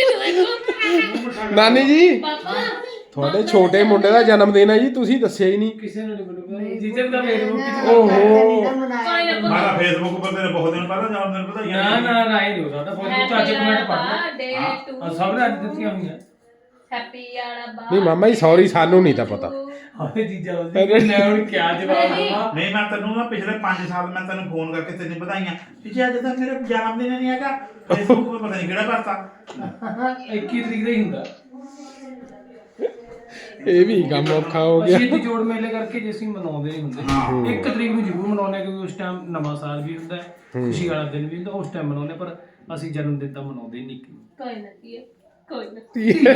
S2: ਨਾਨੀ ਜੀ।
S1: ਪਾਪਾ
S2: ਤੁਹਾਡੇ ਛੋਟੇ ਮੁੰਡੇ ਦਾ ਜਨਮ ਦਿਨ ਹੈ ਜੀ, ਤੁਸੀਂ ਦੱਸਿਆ ਹੀ ਨਹੀਂ।
S5: ਕਿਸੇ ਨੂੰ ਨਹੀਂ ਮੈਨੂੰ ਜੀਜੇ ਦਾ ਫੇਸਬੁੱਕ ਤੇ
S2: ਓਹੋ
S7: ਮਾਰਾ ਫੇਸਬੁੱਕ ਉੱਪਰ ਤੇਰੇ ਬਹੁਤ ਦਿਨ ਪਹਿਲਾਂ ਜਨਮ ਦਿਨ ਵਧਾਈਆਂ
S5: ਨਾ ਇਹ ਨਹੀਂ ਸਾਡਾ ਫੇਸਬੁੱਕ ਤੇ ਅੱਜ ਕਮੈਂਟ ਪੜਨਾ
S1: ਡੇ ਟੂ
S5: ਸਭ ਨੇ ਅੱਜ ਦਿੱਤੀਆਂ ਹੋਈਆਂ।
S1: ਹੈਪੀ ਵਾਲਾ ਬਾ
S2: ਨਹੀਂ ਮਾਮਾ ਜੀ ਸੌਰੀ, ਸਾਨੂੰ ਨਹੀਂ ਤਾਂ ਪਤਾ।
S5: ਹਾਏ ਜੀਜਾ ਉਹਦੇ ਲੈ ਹੁਣ ਕੀ ਜਵਾਬ ਦੇਵਾਂ।
S7: ਨਹੀਂ ਮੈਂ ਤੈਨੂੰ ਨਾ ਪਿਛਲੇ 5 ਸਾਲ ਮੈਂ ਤੈਨੂੰ ਫੋਨ ਕਰਕੇ ਤੈਨੂੰ ਵਧਾਈਆਂ ਕਿ ਅੱਜ ਤੱਕ ਮੇਰਾ ਜਨਮ ਦਿਨ ਨਹੀਂ ਹੈਗਾ, ਫੇਸਬੁੱਕ 'ਤੇ ਪਤਾ ਨਹੀਂ ਕਿਹੜਾ ਭਰਤਾ
S5: 21 ਤਰੀਕ ਦਾ ਹੀ ਹੁੰਦਾ।
S2: ਇਹ ਵੀ ਕੰਮ ਔਖਾ ਹੋ ਗਿਆ।
S5: ਅਸੀਂ ਜੋੜ ਮੇਲੇ ਕਰਕੇ ਜੇ ਅਸੀਂ ਮਨਾਉਂਦੇ ਨਹੀਂ ਹੁੰਦੇ 1 ਤਰੀਕ ਨੂੰ ਜ਼ਰੂਰ ਮਨਾਉਂਦੇ ਕਿਉਂਕਿ ਉਸ ਟਾਈਮ ਨਵਾਂ ਸਾਲ ਵੀ ਹੁੰਦਾ ਹੈ, ਖੁਸ਼ੀ ਵਾਲਾ ਦਿਨ ਵੀ ਹੁੰਦਾ, ਉਸ ਟਾਈਮ ਮਨਾਉਂਦੇ, ਪਰ ਅਸੀਂ ਜਨਮ ਦਿਨ ਤਾਂ ਮਨਾਉਂਦੇ ਹੀ ਨਹੀਂ।
S1: ਕੋਈ ਨਾ ਕੀ ਹੈ, ਕੋਈ ਨਾ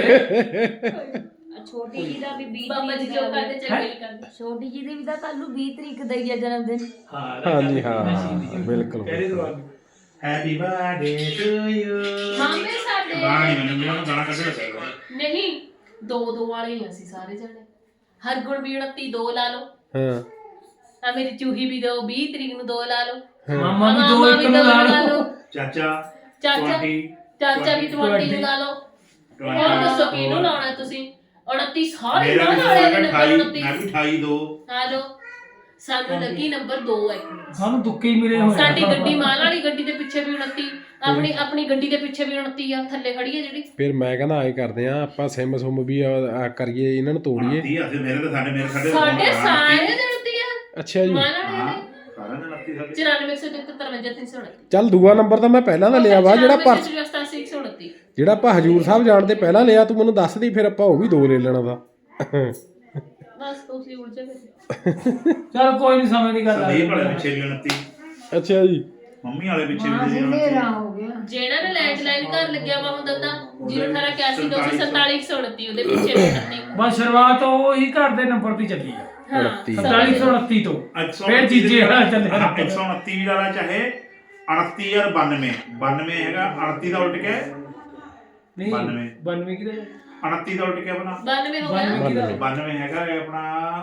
S3: ਛੋਟੀ ਜੀ ਦਾ ਵੀ 20
S1: ਬਾਬਾ ਜੀ ਜੋ ਕਰਦੇ ਚੰਗੇ ਹੀ ਕਰਦੇ।
S3: ਛੋਟੀ ਜੀ ਦੇ ਵੀ ਤਾਂ ਕੱਲ ਨੂੰ 20 ਤਰੀਕ ਦਾ ਹੀ ਆ ਜਨਮ ਦਿਨ।
S2: ਹਾਂਜੀ ਹਾਂ ਬਿਲਕੁਲ
S7: ਹੈਪੀ ਬਰਥਡੇ ਟੂ ਯੂ।
S1: ਮਾਮੇ ਸਾਡੇ
S7: ਗਾਣਾ ਨਹੀਂ ਮੈਨੂੰ ਗਾਣਾ ਕੱਢਣਾ ਚਾਹੀਦਾ।
S1: ਨਹੀਂ 2 ਵਾਲੇ ਹੀ ਅਸੀਂ ਸਾਰੇ ਜਣੇ। ਹਰਗੁਣ ਵੀ 29 2 ਲਾ ਲਓ,
S2: ਹਾਂ
S1: ਆ ਮੇਰੀ ਚੂਹੀ ਵੀ 20 ਤਰੀਕ ਨੂੰ 2 ਲਾ ਲਓ,
S5: ਮਾਮਾ ਵੀ 2 ਇੱਕ ਨੂੰ ਲਾ ਲਓ,
S7: ਚਾਚਾ
S1: ਚਾਚਾ
S7: 20
S1: ਚਾਚਾ ਵੀ 20 ਨੂੰ ਲਾ ਲਓ। ਹੋਰ ਦੱਸੋ ਕਿਹਨੂੰ ਲਾਉਣਾ ਤੁਸੀਂ? 29 ਸਾਰੇ
S7: ਮੇਰਾ
S1: ਨਾਲ ਵਾਲੇ
S7: ਵੀ
S1: ਨੰਬਰ
S7: 28 ਮੈਂ
S1: 29
S7: ਵੀ 28 2
S1: ਲਾ ਲਓ। ਸਾਨੂੰ ਲੱਗੀ ਨੰਬਰ 2 ਹੈ।
S5: ਸਾਨੂੰ ਦੁੱਕੇ ਹੀ ਮਿਲੇ ਹੋਏ।
S1: ਸਾਡੀ ਗੱਡੀ ਮਾਲ ਵਾਲੀ ਗੱਡੀ ਦੇ ਪਿੱਛੇ ਵੀ 29, ਆਪਣੀ ਗੱਡੀ ਦੇ ਪਿੱਛੇ ਵੀ 29 ਆ, ਥੱਲੇ ਖੜੀ ਹੈ ਜਿਹੜੀ।
S2: ਫਿਰ ਮੈਂ ਕਹਿੰਦਾ ਐ ਕਰਦੇ ਆ ਆਪਾਂ ਸਿਮ ਸੁਮ ਵੀ ਕਰੀਏ, ਇਹਨਾਂ ਨੂੰ ਤੋੜੀਏ।
S7: 30 ਅਸੀਂ ਮੇਰੇ ਤਾਂ ਸਾਡੇ
S1: ਸਾਡੇ ਸਾਰੇ ਦੇ 29 ਆ
S2: ਅੱਛਾ ਜੀ,
S1: ਮਾਲ ਵਾਲੇ
S7: ਹਾਂ
S1: ਦੇ
S7: ਸਾਰਿਆਂ ਦੇ 29 ਸਾਡੇ
S1: 94
S2: ਚੱਲ ਦੂਆ ਨੰਬਰ ਤਾਂ ਮੈਂ ਪਹਿਲਾਂ ਦਾ ਲਿਆ ਵਾ, ਜਿਹੜਾ ਆਪਾਂ ਹਜੂਰ ਸਾਹਿਬ ਜਾਣ ਤੇ ਪਹਿਲਾਂ ਲਿਆ, ਤੂੰ ਮੈਨੂੰ ਦੱਸ ਦੀ, ਫਿਰ ਆਪਾਂ ਉਹ ਵੀ 2 ਲੈ ਲੈਣਾ ਦਾ।
S1: ਬਸ ਤੁਸੀਂ ਉਲਝੇ ਗਏ।
S5: ਚਲ ਕੋਈ ਨਹੀਂ, ਸਮਝ ਦੀ ਗੱਲ ਆ।
S7: ਸੰਦੀਪ ਵਾਲੇ ਪਿੱਛੇ ਵੀ 29
S2: ਅੱਛਾ ਜੀ,
S7: ਮੰਮੀ ਵਾਲੇ ਪਿੱਛੇ ਵੀ 29
S1: ਜਿਹੜਾ ਨੇ ਲੈਂਡਲਾਈਨ ਘਰ ਲੱਗਿਆ ਵਾ ਹੁੰਦਾ ਤਾਂ 01881 247 ਉਹਦੇ ਪਿੱਛੇ ਵੀ 29।
S5: ਬਸ ਸ਼ੁਰੂਆਤ ਉਹੀ ਘਰ ਦੇ ਨੰਬਰ ਤੇ ਚੱਲੀ ਆ, 4729 ਤੋਂ। ਫਿਰ ਜੀਜੇ ਵਾਲਾ ਚੱਲਿਆ
S7: 129 ਵੀ ਵਾਲਾ ਚਾਹੇ 29 ਯਾਰ 92 ਹੈਗਾ 38 ਦਾ ਉਲਟ ਕੇ
S5: ਨਹੀਂ
S7: 92
S5: 92 ਕਿਹਦੇ
S7: 29 ਦਾ ਉਲਟ ਕੇ ਆਪਣਾ
S1: 92 ਹੋ ਗਿਆ
S7: 92 ਹੈਗਾ ਇਹ ਆਪਣਾ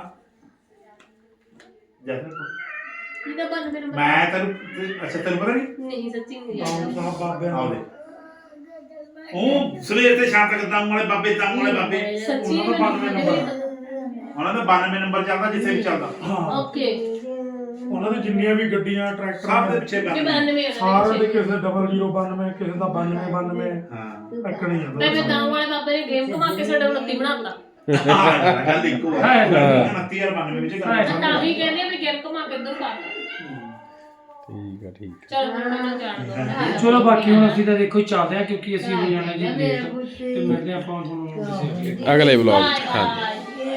S7: ਜੈਸਨ
S1: ਇਹਦਾ 92 ਨੰਬਰ
S7: ਮੈਂ ਤੈਨੂੰ ਅੱਛਾ ਤੈਨੂੰ ਪਤਾ ਨਹੀਂ
S1: ਨਹੀਂ ਸੱਚੀ ਨਹੀਂ ਯਾਦ।
S7: ਆਓ ਦੇ ਉਹ ਸਵੇਰ ਤੇ ਸ਼ਾਮ ਤੱਕ ਦਮ ਵਾਲੇ ਬਾਬੇ
S1: ਸੱਚੀ
S6: ਉਹਨਾਂ ਦਾ 92 ਨੰਬਰ।
S7: ਉਹਨਾਂ ਦਾ 92 ਨੰਬਰ ਚੱਲਦਾ ਜਿੱਥੇ ਵੀ ਚੱਲਦਾ
S6: ਹਾਂ
S1: ਓਕੇ
S6: ਉਹਨਾਂ ਦੇ ਜਿੰਨੀਆਂ ਵੀ ਗੱਡੀਆਂ
S7: ਸਭ ਦੇ
S6: ਟਰੈਕਟਰ
S7: ਪਿੱਛੇ
S1: 92
S6: ਸਾਰੇ ਦੇ ਕਿਸੇ 0092 ਕਿਸੇ ਦਾ 92
S7: ਹਾਂ
S6: ਟੱਕਣੀ
S1: ਮੈਂ
S6: ਜਾਂਦਾ
S1: ਤਾਂ ਵਾਲੇ ਬਾਬੇ ਨੇ ਗੇਮ ਘੁਮਾ ਕੇ ਸਾਡਾ 29 ਬਣਾਤਾ।
S7: ਗੱਲ ਇੱਕੋ ਹੈ 29 ਯਾਰ 92 ਵਿੱਚ ਗੱਲ
S1: ਤਾਂ ਵੀ ਕਹਿੰਦੇ ਆ ਵੀ ਗੇਮ ਘੁਮਾ ਕੇ ਇੱਧਰ ਪਾਤਾ।
S2: ਠੀਕ ਆ।
S1: ਚਲ ਮੈਨੂੰ ਜਾਣ ਦੋ।
S5: ਚਲੋ ਬਾਕੀ ਹੁਣ ਅਸੀਂ ਤਾਂ ਦੇਖੋ ਚੱਲਦੇ ਆ, ਕਿਉਂਕਿ ਅਸੀਂ ਹੋ ਜਾਣਾ ਜੀ ਲੇਟ, ਤੇ ਮਿਲਦੇ ਆਪਾਂ ਤੁਹਾਨੂੰ ਕਿਸੇ
S2: ਅਗਲੇ ਵਲੌਗ 'ਚ। ਹਾਂਜੀ।